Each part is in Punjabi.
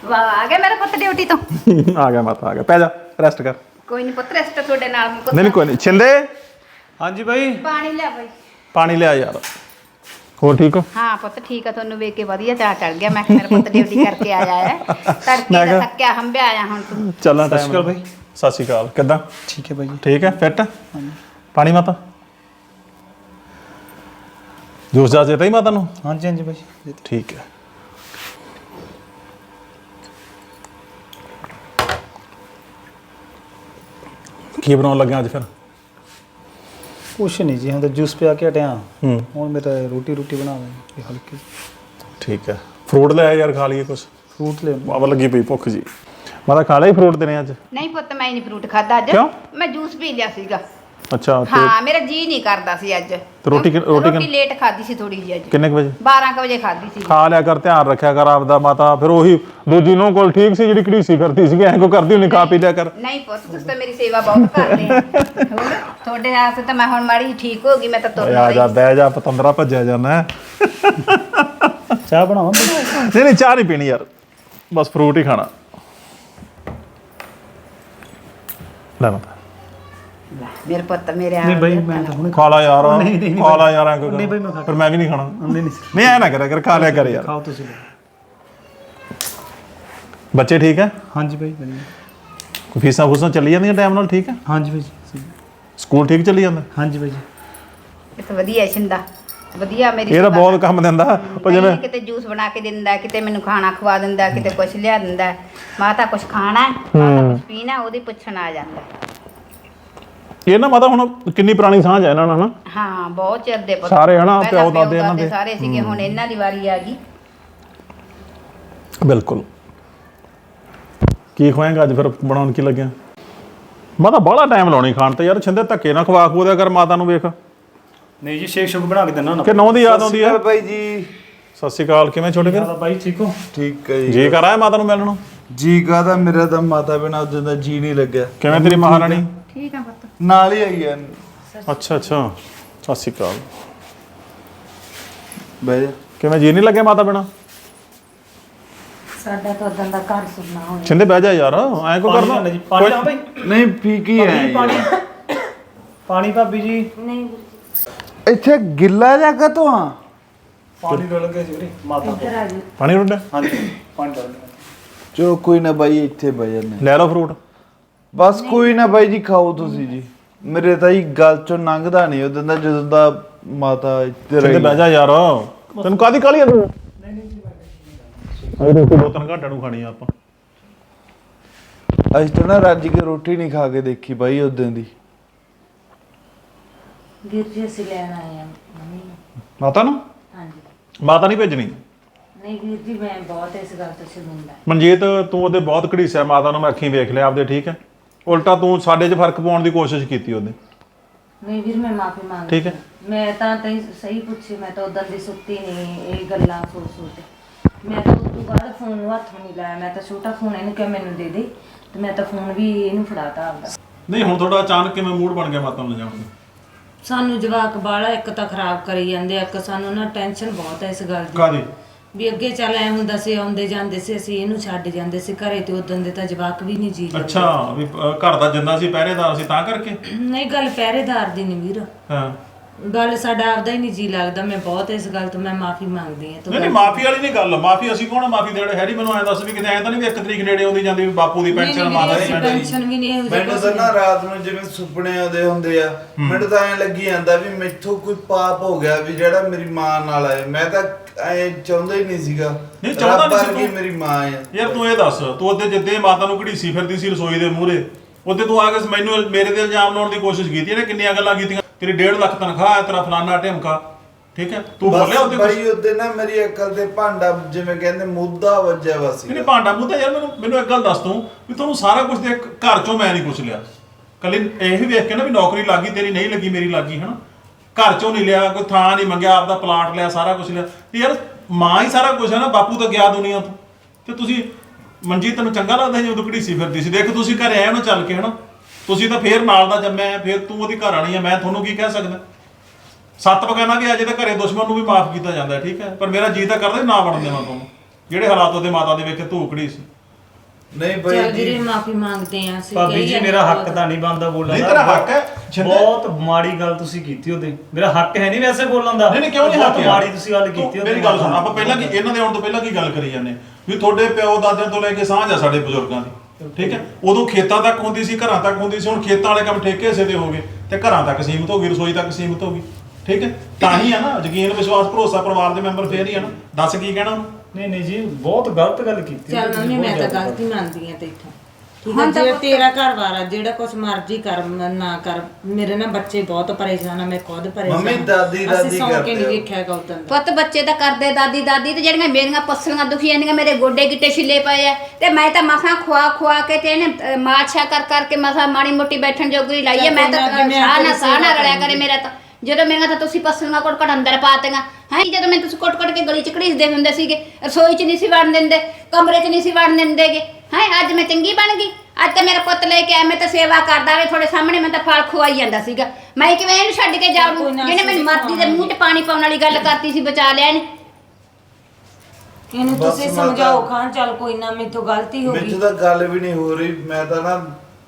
ਵਾਹ ਆ ਗਿਆ ਮੇਰਾ ਪੁੱਤ ਡਿਊਟੀ ਤੋਂ। ਆ ਗਿਆ ਮਾਤਾ, ਆ ਗਿਆ। ਪੈ ਜਾ, ਰੈਸਟ ਕਰ। ਕੋਈ ਨਹੀਂ ਪੁੱਤ, ਰੈਸਟ ਤੁਹਾਡੇ ਨਾਲ। ਨਹੀਂ ਕੋਈ ਨਹੀਂ। ਛਿੰਦੇ, ਹਾਂਜੀ ਬਾਈ। ਪਾਣੀ ਲਿਆ ਬਾਈ। ਪਾਣੀ ਲਿਆ ਯਾਰ। ਹੋਰ ਠੀਕ ਹੋ? ਹਾਂ ਪੁੱਤ ਠੀਕ ਆ, ਤੁਹਾਨੂੰ ਵੇਖ ਕੇ ਵਧੀਆ ਚਾਹ ਚੜ ਗਿਆ। ਮੈਂ ਕਿਹਾ ਮੇਰਾ ਪੁੱਤ ਡਿਊਟੀ ਕਰਕੇ ਆਇਆ ਹੈ, ਤੜਕੇ ਦਾ ਥੱਕਿਆ ਹੰਬਿਆ ਆਇਆ ਹੁਣ ਤੂੰ। ਚੱਲਾਂ ਸਤਿ ਸ਼੍ਰੀ ਅਕਾਲ ਬਾਈ। ਸਤਿ ਸ਼੍ਰੀ ਅਕਾਲ। ਕਿੱਦਾਂ? ਠੀਕ ਹੈ ਬਾਈ ਜੀ। ਠੀਕ ਹੈ, ਫਿੱਟ? ਪਾਣੀ ਮਾਤਾ? ਜੂਸ ਜਾ ਦੇਤਾ ਹੀ ਮਾਤਾ ਨੂੰ? ਹਾਂਜੀ ਹਾਂਜੀ ਬਾਈ। ਠੀਕ ਹੈ। ਕੀ ਬਣਾਉਣ ਲੱਗਿਆ ਅੱਜ ਫਿਰ? ਕੁਛ ਨਹੀਂ ਜੀ, ਹੁਣ ਤਾਂ ਜੂਸ ਪਿਆ ਕੇ ਹਟਿਆ। ਹੂੰ, ਹੁਣ ਮੇਰਾ ਰੋਟੀ ਬਣਾਵਾਂਗੇ ਹਲਕੀ। ਠੀਕ ਹੈ। ਫਰੂਟ ਲੈ ਯਾਰ, ਖਾ ਲਈਏ ਕੁਛ। ਫਰੂਟ ਲੈ ਬਾਬਾ ਲੱਗੀ ਪਈ ਭੁੱਖ ਜੀ। ਮਾਤਾ ਖਾ ਲਿਆ ਫਰੂਟ ਦੇਣੇ ਅੱਜ? ਨਹੀਂ ਪੁੱਤ ਮੈਂ ਨਹੀਂ ਫਰੂਟ ਖਾਦਾ ਅੱਜ। ਕਿਉਂ? ਮੈਂ ਜੂਸ ਪੀ ਲਿਆ ਸੀਗਾ। ਅੱਛਾ। ਹਾਂ ਮੇਰਾ ਜੀ ਨਹੀਂ ਕਰਦਾ ਸੀ ਅੱਜ। ਤੇ ਰੋਟੀ ਲੇਟ ਖਾਦੀ ਸੀ ਥੋੜੀ ਜਿਹੀ ਅੱਜ। ਕਿੰਨੇ ਕੁ ਵਜੇ? 12 ਕੁ ਵਜੇ ਖਾਦੀ ਸੀ। ਖਾ ਲਿਆ ਕਰ, ਧਿਆਨ ਰੱਖਿਆ ਕਰ ਆਪਦਾ ਮਾਤਾ। ਫਿਰ ਉਹੀ ਦੂਜੀ ਨੂੰ ਕੋਲ ਠੀਕ ਸੀ ਜਿਹੜੀ ਘੜੀਸੀ ਕਰਦੀ ਸੀਗੀ, ਐਂ ਕੋ ਕਰਦੀ ਹੁੰਦੀ, ਖਾ ਪੀ ਲਿਆ ਕਰ। ਨਹੀਂ ਪੁੱਤ ਤੁਸੀਂ ਤਾਂ ਮੇਰੀ ਸੇਵਾ ਬਹੁਤ ਕਰਦੇ ਆ। ਹੋਰ ਤੁਹਾਡੇ ਵਾਸਤੇ ਤਾਂ ਮੈਂ ਹੁਣ ਮਾੜੀ ਠੀਕ ਹੋ ਗਈ। ਮੈਂ ਤਾਂ ਤੁਰ ਆ ਜਾ, ਬਹਿ ਜਾ, ਪਤੰਦਰਾ ਭੱਜਿਆ ਜਾਣਾ। ਚਾਹ ਬਣਾਵਾਂ? ਨਹੀਂ ਨਹੀਂ, ਚਾਹ ਨਹੀਂ ਪੀਣੀ ਯਾਰ, ਬਸ ਫਰੂਟ ਹੀ ਖਾਣਾ। ਲੈ ਮਾਤਾ। ਮੇਰੇ ਪੁੱਤ ਮੇਰੇ ਨਹੀਂ ਬਾਈ, ਮੈਂ ਤਾਂ ਹੁਣੇ ਖਾ ਲਾ ਯਾਰ, ਖਾ ਲਾ ਯਾਰ। ਐਂ ਨਹੀਂ ਬਾਈ, ਮੈਂ ਖਾ ਫਿਰ ਮੈਂ ਵੀ ਨਹੀਂ ਖਾਣਾ। ਨਹੀਂ ਨਹੀਂ ਐ ਨਾ ਕਰਿਆ ਕਰ, ਖਾ ਲਿਆ ਕਰ ਯਾਰ। ਖਾਓ ਤੁਸੀਂ। ਬੱਚੇ ਠੀਕ ਹੈ? ਹਾਂਜੀ ਬਾਈ ਵਧੀਆ। ਕੋਈ ਫੀਸਾਂ ਫੂਸਾਂ ਚੱਲੀ ਜਾਂਦੀਆਂ ਟਾਈਮ ਨਾਲ? ਠੀਕ ਹੈ। ਹਾਂਜੀ ਬਾਈ ਜੀ। ਸਕੂਲ ਠੀਕ ਚੱਲੀ ਜਾਂਦਾ? ਹਾਂਜੀ ਬਾਈ ਜੀ। ਇਹ ਤਾਂ ਵਧੀਆ ਛਿੰਦਾ, ਵਧੀਆ ਮੇਰੀ ਇਹ ਤਾਂ ਬਹੁਤ ਕੰਮ ਦਿੰਦਾ। ਉਹ ਜਿਵੇਂ ਕਿਤੇ ਜੂਸ ਬਣਾ ਕੇ ਦਿੰਦਾ, ਕਿਤੇ ਮੈਨੂੰ ਖਾਣਾ ਖਵਾ ਦਿੰਦਾ, ਕਿਤੇ ਕੁਛ ਲਿਆ ਦਿੰਦਾ। ਮਾਤਾ ਕੁਛ ਖਾਣਾ, ਮਾਤਾ ਕੁਛ ਪੀਣਾ, ਉਹਦੀ ਪੁੱਛਣ ਆ ਜਾਂਦਾ। ਇਹ ਨਾ ਮਾਤਾ ਹੁਣ ਕਿੰਨੀ ਪੁਰਾਣੀ ਸਾਂਝ ਹੈ ਇਹਨਾਂ ਨਾਲ ਨਾ। ਹਾਂ ਬਹੁਤ ਚਿਰ ਦੇ ਪੁੱਤ ਸਾਰੇ ਹਨਾ, ਪਹਿਲਾਂ ਪਿਓ ਦਾਦੇ ਇਹਨਾਂ ਦੇ ਸਾਰੇ ਸੀਗੇ, ਹੁਣ ਇਹਨਾਂ ਦੀ ਵਾਰੀ ਆ ਗਈ। ਬਿਲਕੁਲ। ਕੀ ਖਵਾਏਗਾ ਅੱਜ ਫਿਰ? ਬਣਾਉਣ ਕੀ ਲੱਗਿਆ? ਮਾਤਾ ਬਾਹਲਾ ਟਾਈਮ ਲਾਉਣੀ ਖਾਣ ਤੇ ਯਾਰ। ਛਿੰਦੇ ਧੱਕੇ ਨਾ ਖਵਾ ਖੂ ਦਿਆ ਕਰ ਮਾਤਾ ਨੂੰ। ਵੇਖ ਨਹੀਂ ਜੀ, ਸ਼ੇਕ ਸ਼ੁਕ ਬਣਾ ਕੇ ਦਿੰਦਾ ਨਾ। ਕਿ ਨੌਂ ਦੀ ਯਾਦ ਆਉਂਦੀ ਹੈ? ਬਾਈ ਜੀ ਸਤਿ ਸ਼੍ਰੀ ਅਕਾਲ। ਕਿਵੇਂ ਛੋਟੇ ਵੀਰ? ਬਾਈ ਠੀਕ ਹੋ? ਠੀਕ ਹੈ ਜੀ ਕਰ ਆਇਆ ਮਾਤਾ ਨੂੰ ਮਿਲਣ ਨੂੰ? ਜੀ ਕਾਹਦਾ, ਮੇਰਾ ਤਾਂ ਮਾਤਾ ਬਿਨਾਂ ਉਦੋਂ ਦਾ ਜੀ ਨਹੀਂ ਲੱਗਿਆ। ਕਿਵੇਂ ਤੇਰੀ ਮਹਾਰਾਣੀ? ਠੀਕ ਆ ਪੁੱਤ। ਨਾਲ ਹੀ ਆਈ ਆ। ਅੱਛਾ ਅੱਛਾ, ਸਤਿ ਸ਼੍ਰੀ ਅਕਾਲ। ਬਹਿ ਜਾ। ਕਿਵੇਂ ਜੀ ਨਹੀਂ ਲੱਗਿਆ ਮਾਤਾ ਬਿਨਾਂ? ਸਾਡਾ ਤਾਂ ਉਦੋਂ ਦਾ ਘਰ ਸੁਣਨਾ ਹੋਇਆ। ਛਿੰਦੇ ਬਹਿ ਜਾ ਯਾਰ, ਐਂ ਕੋ ਕਰਦਾ? ਪਾਣੀ ਲਾ ਬਾਈ। ਨਹੀਂ ਪੀ ਕੀ ਆਇਆ ਪਾਣੀ ਪਾਣੀ ਭਾਬੀ ਜੀ। ਨਹੀਂ ਇੱਥੇ ਗਿੱਲਾ ਜਗ੍ਹਾ ਤੋਂ ਆ। ਪਾਣੀ ਡੋਲ ਕੇ ਜੀ ਮਾਤਾ ਇੱਧਰ ਆ ਜੀ। ਪਾਣੀ ਰੁੱਡਾ? ਹਾਂਜੀ ਪਾਣੀ ਡੋਲ ਕੇ। ਚਲੋ ਕੋਈ ਨਾ ਬਾਈ, ਇੱਥੇ ਬਹਿ ਜਾਂਦੇ। ਲੈ ਲਓ ਫਰੂਟ। ਬਸ ਕੋਈ ਨਾ ਬਾਈ ਜੀ, ਖਾਓ ਤੁਸੀਂ ਜੀ। ਮੇਰੇ ਤਾਂ ਹੀ ਗੱਲ ਚੋਂ ਲੰਘਦਾ ਨਹੀਂ ਉਦੋਂ ਦਾ, ਜਦੋਂ ਦਾ ਮਾਤਾ ਇੱਥੇ ਛਿੰਦੇ ਰਹੀ। ਬਹਿ ਜਾ ਯਾਰ, ਤੈਨੂੰ ਕਾਹਦੀ ਕਾਹਲੀ ਆ? ਤੂੰ ਅਰੇ ਰੋਟੀ 2-3 ਘੰਟਿਆਂ ਨੂੰ ਖਾਣੀ ਆ ਆਪਾਂ। ਅੱਜ ਤਾਂ ਨਾ ਰੱਜ ਕੇ ਰੋਟੀ ਨਹੀਂ ਖਾ ਕੇ ਦੇਖੀ ਬਾਈ ਉਦੋਂ ਦੀ। ਵੀਰ ਜੀ ਅਸੀਂ ਲੈਣ ਆਏ ਆ ਮੰਮੀ ਨੂੰ। ਮਾਤਾ ਨੂੰ? ਹਾਂਜੀ। ਮਾਤਾ ਨਹੀਂ ਭੇਜਣੀ? ਨਹੀਂ ਵੀਰ ਜੀ, ਮੈਂ ਬਹੁਤ ਇਸ ਗੱਲ ਤੋਂ ਸ਼ਰਮਿੰਦਾ। ਮਨਜੀਤ, ਤੂੰ ਉਹਦੇ ਬਹੁਤ ਘੜੀਸਿਆ ਮਾਤਾ ਨੂੰ। ਮੈਂ ਅੱਖੀਂ ਵੇਖ ਲਿਆ ਆਪਦੇ, ਠੀਕ ਹੈ? ਉਲਟਾ ਤੂੰ ਸਾਡੇ 'ਚ ਫਰਕ ਪਾਉਣ ਦੀ ਕੋਸ਼ਿਸ਼ ਕੀਤੀ ਉਹਦੇ। ਨਹੀਂ ਵੀਰ, ਮੈਂ ਮਾਫੀ ਮੰਗਦੀ। ਠੀਕ ਹੈ। ਮੈਂ ਤਾਂ ਤੈਨੂੰ ਸਹੀ ਪੁੱਛੀ, ਮੈਂ ਤਾਂ ਉਦੋਂ ਦੀ ਸੁੱਤੀ ਨਹੀਂ ਇਹ ਗੱਲਾਂ ਸੋਚ। ਮੈਂ ਤਾਂ ਉਸ ਤੋਂ ਬਾਅਦ ਫੋਨ ਨੂੰ ਹੱਥ ਨਹੀਂ ਲਾਇਆ। ਮੈਂ ਤਾਂ ਛੋਟਾ ਫੋਨ ਇਹਨੂੰ ਕਿਹਾ ਮੈਨੂੰ ਦੇ ਦੇ, ਤੇ ਮੈਂ ਤਾਂ ਫੋਨ ਵੀ ਇਹਨੂੰ ਫੜਾਤਾ ਆਪਦਾ। ਨਹੀਂ ਹੁਣ ਤੁਹਾਡਾ ਅਚਾਨਕ ਕਿਵੇਂ ਮੂਡ ਬਣ ਗਿਆ ਮਾਤਾ ਨੂੰ ਲਿਜਾਣ ਦਾ? ਸਾਨੂੰ ਜਵਾਕ ਬਾਹਲਾ ਇੱਕ ਤਾਂ ਖਰਾਬ ਕਰੀ ਜਾਂਦੇ ਆ, ਇੱਕ ਸਾਨੂੰ ਨਾ ਟੈਨਸ਼ਨ ਬਹੁਤ ਹੈ ਇਸ ਗੱਲ ਦੀ। ਕਾਹਦੀ? ਵੀ ਅੱਗੇ ਚੱਲ ਐ ਹੁੰਦਾ ਸੀ, ਆਉਂਦੇ ਜਾਂਦੇ ਸੀ ਅਸੀਂ ਇਹਨੂੰ ਛੱਡ ਜਾਂਦੇ ਸੀ ਘਰੇ, ਤੇ ਉਦੋਂ ਦੇ ਤਾਂ ਜਵਾਕ ਵੀ ਨਹੀਂ ਜੀ ਲੱਗਦੇ। ਅੱਛਾ, ਵੀ ਘਰ ਦਾ ਜਿੰਦਾ ਸੀ, ਪਹਿਰੇਦਾਰ ਸੀ, ਤਾਂ ਕਰਕੇ? ਨਹੀਂ ਗੱਲ ਪਹਿਰੇਦਾਰ ਦੀ ਨਹੀਂ ਵੀਰ, ਹਾਂ। ਗੱਲ ਸਾਡਾ ਆਪਦਾ ਹੀ ਨਹੀਂ ਜੀ ਲੱਗਦਾ। ਮੈਂ ਬਹੁਤ ਇਸ ਗੱਲ ਤੋਂ ਮੈਂ ਮਾਫੀ ਮੰਗਦੀ ਹਾਂ। ਨਹੀਂ ਮਾਫੀ ਵਾਲੀ ਨਹੀਂ ਗੱਲ। ਮਾਫੀ ਅਸੀਂ ਕੌਣ ਮਾਫੀ ਦੇੜੇ? ਹੈਰੀ ਮੈਨੂੰ ਐਂ ਦੱਸ ਵੀ ਕਿਤੇ ਐਂ ਤਾਂ ਨਹੀਂ ਵੀ 1 ਤਰੀਕ ਨੇੜੇ ਆਉਂਦੀ ਜਾਂਦੀ ਵੀ ਬਾਪੂ ਦੀ ਪੈਨਸ਼ਨ, ਮਾਤਾ ਦੀ ਪੈਨਸ਼ਨ? ਪੈਨਸ਼ਨ ਵੀ ਨਹੀਂ ਇਹੋ ਜਿਹਾ ਮੈਨੂੰ ਤਾਂ ਨਾ ਰਾਤ ਨੂੰ ਜਿਵੇਂ ਸੁਪਨੇ ਆਉਂਦੇ ਹੁੰਦੇ ਆ, ਮੈਨੂੰ ਤਾਂ ਐਂ ਲੱਗੀ ਜਾਂਦਾ ਵੀ ਮੈਥੋਂ ਕੋਈ ਪਾਪ ਹੋ ਗਿਆ ਵੀ ਜਿਹੜਾ ਮੇਰੀ ਮਾਂ ਨਾਲ ਆਏ। ਮੈਂ ਤਾਂ ਐਂ ਚਾਹੁੰਦਾ ਹੀ ਨਹੀਂ ਸੀਗਾ। ਨਹੀਂ ਚਾਹੁੰਦਾ ਨਹੀਂ ਸੀ ਕਿ ਤੂੰ? ਮੇਰੀ ਮਾਂ ਆ ਯਾਰ ਤੂੰ ਇਹ ਦੱਸ, ਤੂੰ ਉਹਦੇ ਜਿੱਦੇ ਮਾਤਾ ਨੂੰ ਘੜੀਸੀ ਫਿਰਦੀ ਸੀ ਰਸੋਈ ਦੇ ਮੂਹਰੇ, ਉਹਦੇ ਤੂੰ ਆ ਕੇ ਮੈਨੂੰ ਮੇਰੇ ਤੇ ਇਲਜ਼ਾਮ ਲਾਉਣ ਦੀ ਕੋਸ਼ਿਸ਼ ਕੀਤੀ। ਇਹਨੇ ਕਿੰਨੀਆਂ ਗੱਲਾਂ ਕੀਤੀਆਂ। ਤੇਰੀ 1.5 ਲੱਖ ਤਨਖਾਹ ਹੈ, ਤੇਰਾ ਫਲਾਨਾ ਢਿਮਕਾ, ਠੀਕ ਹੈ? ਤੂੰ ਬੋਲਿਆ ਉਹਦੇ ਕੁਝ? ਬਈ ਉਹਦੇ ਨਾ ਮੇਰੀ ਅਕਲ ਤੇ ਭਾਂਡਾ ਜਿਵੇਂ ਕਹਿੰਦੇ ਮੁੱਦਾ ਵੱਜਿਆ ਵਾ ਸੀ। ਨਹੀਂ ਭਾਂਡਾ ਮੁੱਦਾ ਯਾਰ। ਮੈਨੂੰ ਇੱਕ ਗੱਲ ਦੱਸ ਤੂੰ, ਵੀ ਤੁਹਾਨੂੰ ਸਾਰਾ ਕੁਝ ਦੇ ਘਰ ਚੋਂ ਮੈਂ ਨਹੀਂ ਕੁਛ ਲਿਆ। ਕੱਲੀ ਇਹ ਵੀ ਵੇਖ ਕੇ ਨਾ ਵੀ ਨੌਕਰੀ ਲੱਗੀ, ਤੇਰੀ ਨਹੀਂ ਲੱਗੀ, ਮੇਰੀ ਲੱਗੀ, ਹਨਾ? ਘਰ ਚੋਂ ਨਹੀਂ ਲਿਆ, ਕੋਈ ਥਾਂ ਨਹੀਂ ਮੰਗਿਆ, ਆਪਦਾ ਪਲਾਟ ਲਿਆ, ਸਾਰਾ ਕੁਝ ਲਿਆ। ਤੇ ਯਾਰ ਮਾਂ ਹੀ ਸਾਰਾ ਕੁਝ ਹੈ ਨਾ। ਬਾਪੂ ਤਾਂ ਗਿਆ ਦੁਨੀਆ ਤੋਂ। ਤੇ ਤੁਸੀਂ ਮਨਜੀਤ, ਤੈਨੂੰ ਚੰਗਾ ਲੱਗਦਾ ਜਦੋਂ ਘੜੀਸੀ ਫਿਰਦੀ ਸੀ? ਦੇਖ ਤੁਸੀਂ ਘਰੇ ਆਏ ਉਹਨੂੰ ਚੱਲ ਕੇ, ਹਨਾ? ਤੁਸੀਂ ਤਾਂ ਫੇਰ ਨਾਲ ਦਾ ਜੰਮਿਆ, ਫੇਰ ਤੂੰ ਉਹਦੀ ਘਰ ਵਾਲੀ ਆ। ਮੈਂ ਤੁਹਾਨੂੰ ਕੀ ਕਹਿ ਸਕਦਾ? 7 ਬਗਾਨਾ ਵੀ ਅਜੇ ਤਾਂ ਘਰੇ ਦੁਸ਼ਮਣ ਨੂੰ ਵੀ ਮਾਫ ਕੀਤਾ ਜਾਂਦਾ, ਠੀਕ ਹੈ? ਪਰ ਮੇਰਾ ਜੀ ਤਾਂ ਕਰਦਾ ਨਾ ਬਣਨ ਦੇਵਾਂ ਤੁਹਾਨੂੰ, ਜਿਹੜੇ ਹਾਲਾਤ ਉਹਦੇ ਮਾਤਾ ਦੇ ਵੇਖੇ ਧੂਕੜੀ ਸੀ। ਨਹੀਂ ਬਾਈ ਚੱਲ ਜੀ ਵੀਰੇ ਮਾਫੀ ਮੰਗਦੇ ਆ ਅਸੀਂ ਭਾਬੀ ਕਹੀ ਜੀ ਜਾਂਦੇ ਮੇਰਾ ਹੱਕ ਬਹੁਤ। ਤਾਂ ਨਹੀਂ ਬਣਦਾ ਬੋਲਣ ਨਹੀਂ ਦਾ। ਤੇਰਾ ਹੱਕ ਹੈ ਛਿੰਦੇ ਬਹੁਤ ਮਾੜੀ ਗੱਲ ਤੁਸੀਂ ਕੀਤੀ ਉਹਦੇ ਮੇਰਾ ਹੱਕ ਹੈ ਨਹੀਂ ਵੈਸੇ ਬੋਲਣ ਦਾ। ਨਹੀਂ ਨਹੀਂ ਕਿਉਂ ਨਹੀਂ ਬਹੁਤ ਹੱਕ ਯਾਰ? ਮਾੜੀ ਤੁਸੀਂ ਗੱਲ ਕੀਤੀ ਮੇਰੀ ਗੱਲ ਸੁਣ ਆਪਾਂ ਪਹਿਲਾਂ ਕੀ ਇਹਨਾਂ ਦੇ ਆਉਣ ਤੋਂ ਪਹਿਲਾਂ ਕੀ ਗੱਲ ਕਰੀ ਜਾਂਦੇ ਵੀ ਤੁਹਾਡੇ ਪਿਓ ਦਾਦਿਆਂ ਤੋਂ ਲੈ ਕੇ ਸਾਂਝ ਆ ਸਾਡੇ ਬਜ਼ੁਰਗਾਂ ਦੀ ਠੀਕ ਹੈ ਉਦੋਂ ਖੇਤਾਂ ਤੱਕ ਹੁੰਦੀ ਸੀ ਘਰਾਂ ਤੱਕ ਹੁੰਦੀ ਸੀ ਹੁਣ ਖੇਤਾਂ ਵਾਲੇ ਕੰਮ ਠੇਕੇ ਹਿੱਸੇ ਦੇ ਹੋ ਗਏ ਤੇ ਘਰਾਂ ਤੱਕ ਸੀਮਿਤ ਹੋ ਗਈ ਰਸੋਈ ਤੱਕ ਸੀਮਿਤ ਹੋ ਗਈ ਠੀਕ ਹੈ ਤਾਂ ਹੀ ਆ ਨਾ ਯਕੀਨ ਵਿਸ਼ਵਾਸ ਭਰੋਸਾ ਪਰਿਵਾਰ ਦੇ ਮੈਂਬਰ ਫੇਰ ਹੀ ਆ ਨਾ ਦੱਸ ਕੀ ਕਹਿਣਾ ਉਹਨੂੰ? ਨਹੀਂ ਨਹੀਂ ਜੀ ਬਹੁਤ ਗਲਤ ਗੱਲ ਕੀਤੀ ਚੱਲ ਤੁਸੀਂ, ਮੰਮੀ ਬਹੁਤ ਮੈਂ ਤਾਂ ਜ਼ਿਆਦਾ। ਗਲਤੀ ਮੰਨਦੀ ਆ ਤੇਥੋਂ ਠੀਕ ਹੈ ਜੇ ਤੇਰਾ ਘਰ ਵਾਰ ਆ ਜਿਹੜਾ ਕੁਛ ਮਰਜ਼ੀ ਕਰ ਨਾ ਕਰ ਮੇਰੇ ਨਾਲ ਬੱਚੇ ਬਹੁਤ ਪਰੇਸ਼ਾਨ ਆ ਮੈਂ ਖੁਦ ਪਰੇਸ਼ਾਨ ਮੰਮੀ, ਆ। ਦਾਦੀ ਅਸੀਂ ਸੌਂ ਕੇ ਕਰਦੇ ਨਹੀਂ ਹੋ। ਵੇਖਿਆ ਗੌਤਮ ਦਾ ਪੁੱਤ ਬੱਚੇ ਤਾਂ ਕਰਦੇ ਦਾਦੀ ਦਾਦੀ ਤੇ ਜਿਹੜੀਆਂ ਮੇਰੀਆਂ ਪਸਲੀਆਂ ਦੁਖੀ ਜਾਂਦੀਆਂ ਮੇਰੇ ਗੋਡੇ ਗਿੱਟੇ ਛਿੱਲੇ ਪਏ ਆ ਤੇ ਮੈਂ ਤਾਂ ਮਸਾਂ ਖਵਾ ਕੇ ਤੇ ਇਹਨੇ ਮਾਛਾ ਕਰਕੇ ਮਸਾਂ ਮਾੜੀ ਮੋਟੀ ਬੈਠਣ ਜੋਗੀ ਲਾਈ ਆ ਮੈਂ ਤਾਂ ਸਾਹ ਨਾ ਰਲਿਆ ਕਰੇ ਮੇਰਾ ਤਾਂ ਜਦੋਂ ਮੇਰੀਆਂ ਤਾਂ ਤੁਸੀਂ ਪਸਲੀਆਂ ਕੁੱਟ ਅੰਦਰ ਪਾਤੀਆਂ ਹੈ ਜਦੋਂ ਮੈਂ ਤੁਸੀਂ ਕੁੱਟ ਕੇ ਗਲੀ ਚ ਘੜੀਸਦੇ ਹੁੰਦੇ ਸੀਗੇ ਰਸੋਈ ਚ ਨਹੀਂ ਸੀ ਵੜਨ ਦਿੰਦੇ ਕਮਰੇ ਚ ਨਹੀਂ ਸੀ ਵੜਨ ਦਿੰਦੇਗੇ ਹੈ ਅੱਜ ਮੈਂ ਚੰਗੀ ਬਣ ਗਈ ਅੱਜ ਤਾਂ ਮੇਰਾ ਪੁੱਤ ਲੈ ਕੇ ਆਇਆ ਮੈਂ ਤਾਂ ਸੇਵਾ ਕਰਦਾ ਵੇ ਤੁਹਾਡੇ ਸਾਹਮਣੇ ਮੈਂ ਤਾਂ ਫਲ ਖਵਾਈ ਜਾਂਦਾ ਸੀਗਾ ਮੈਂ ਕਿਵੇਂ ਇਹਨੂੰ ਛੱਡ ਕੇ ਜਾਊਂ ਜਿਹਨੇ ਮੈਨੂੰ ਮਰਦੀ ਦੇ ਮੂੰਹ 'ਚ ਪਾਣੀ ਪਾਉਣ ਵਾਲੀ ਗੱਲ ਕਰਤੀ ਸੀ ਬਚਾ ਲਿਆ ਇਹਨੇ ਇਹਨੂੰ ਬਸ ਤੁਸੀਂ ਮੈਂ ਸਮਝਾਓ ਤਾਂ- ਖਾਨ ਚੱਲ ਕੋਈ ਨਾ ਮੇਰੇ ਤੋਂ ਗਲਤੀ ਹੋ ਗਈ ਮੈਨੂੰ ਤਾਂ ਗੱਲ ਵੀ ਨਹੀਂ ਹੋ ਰਹੀ ਮੈਂ ਤਾਂ ਨਾ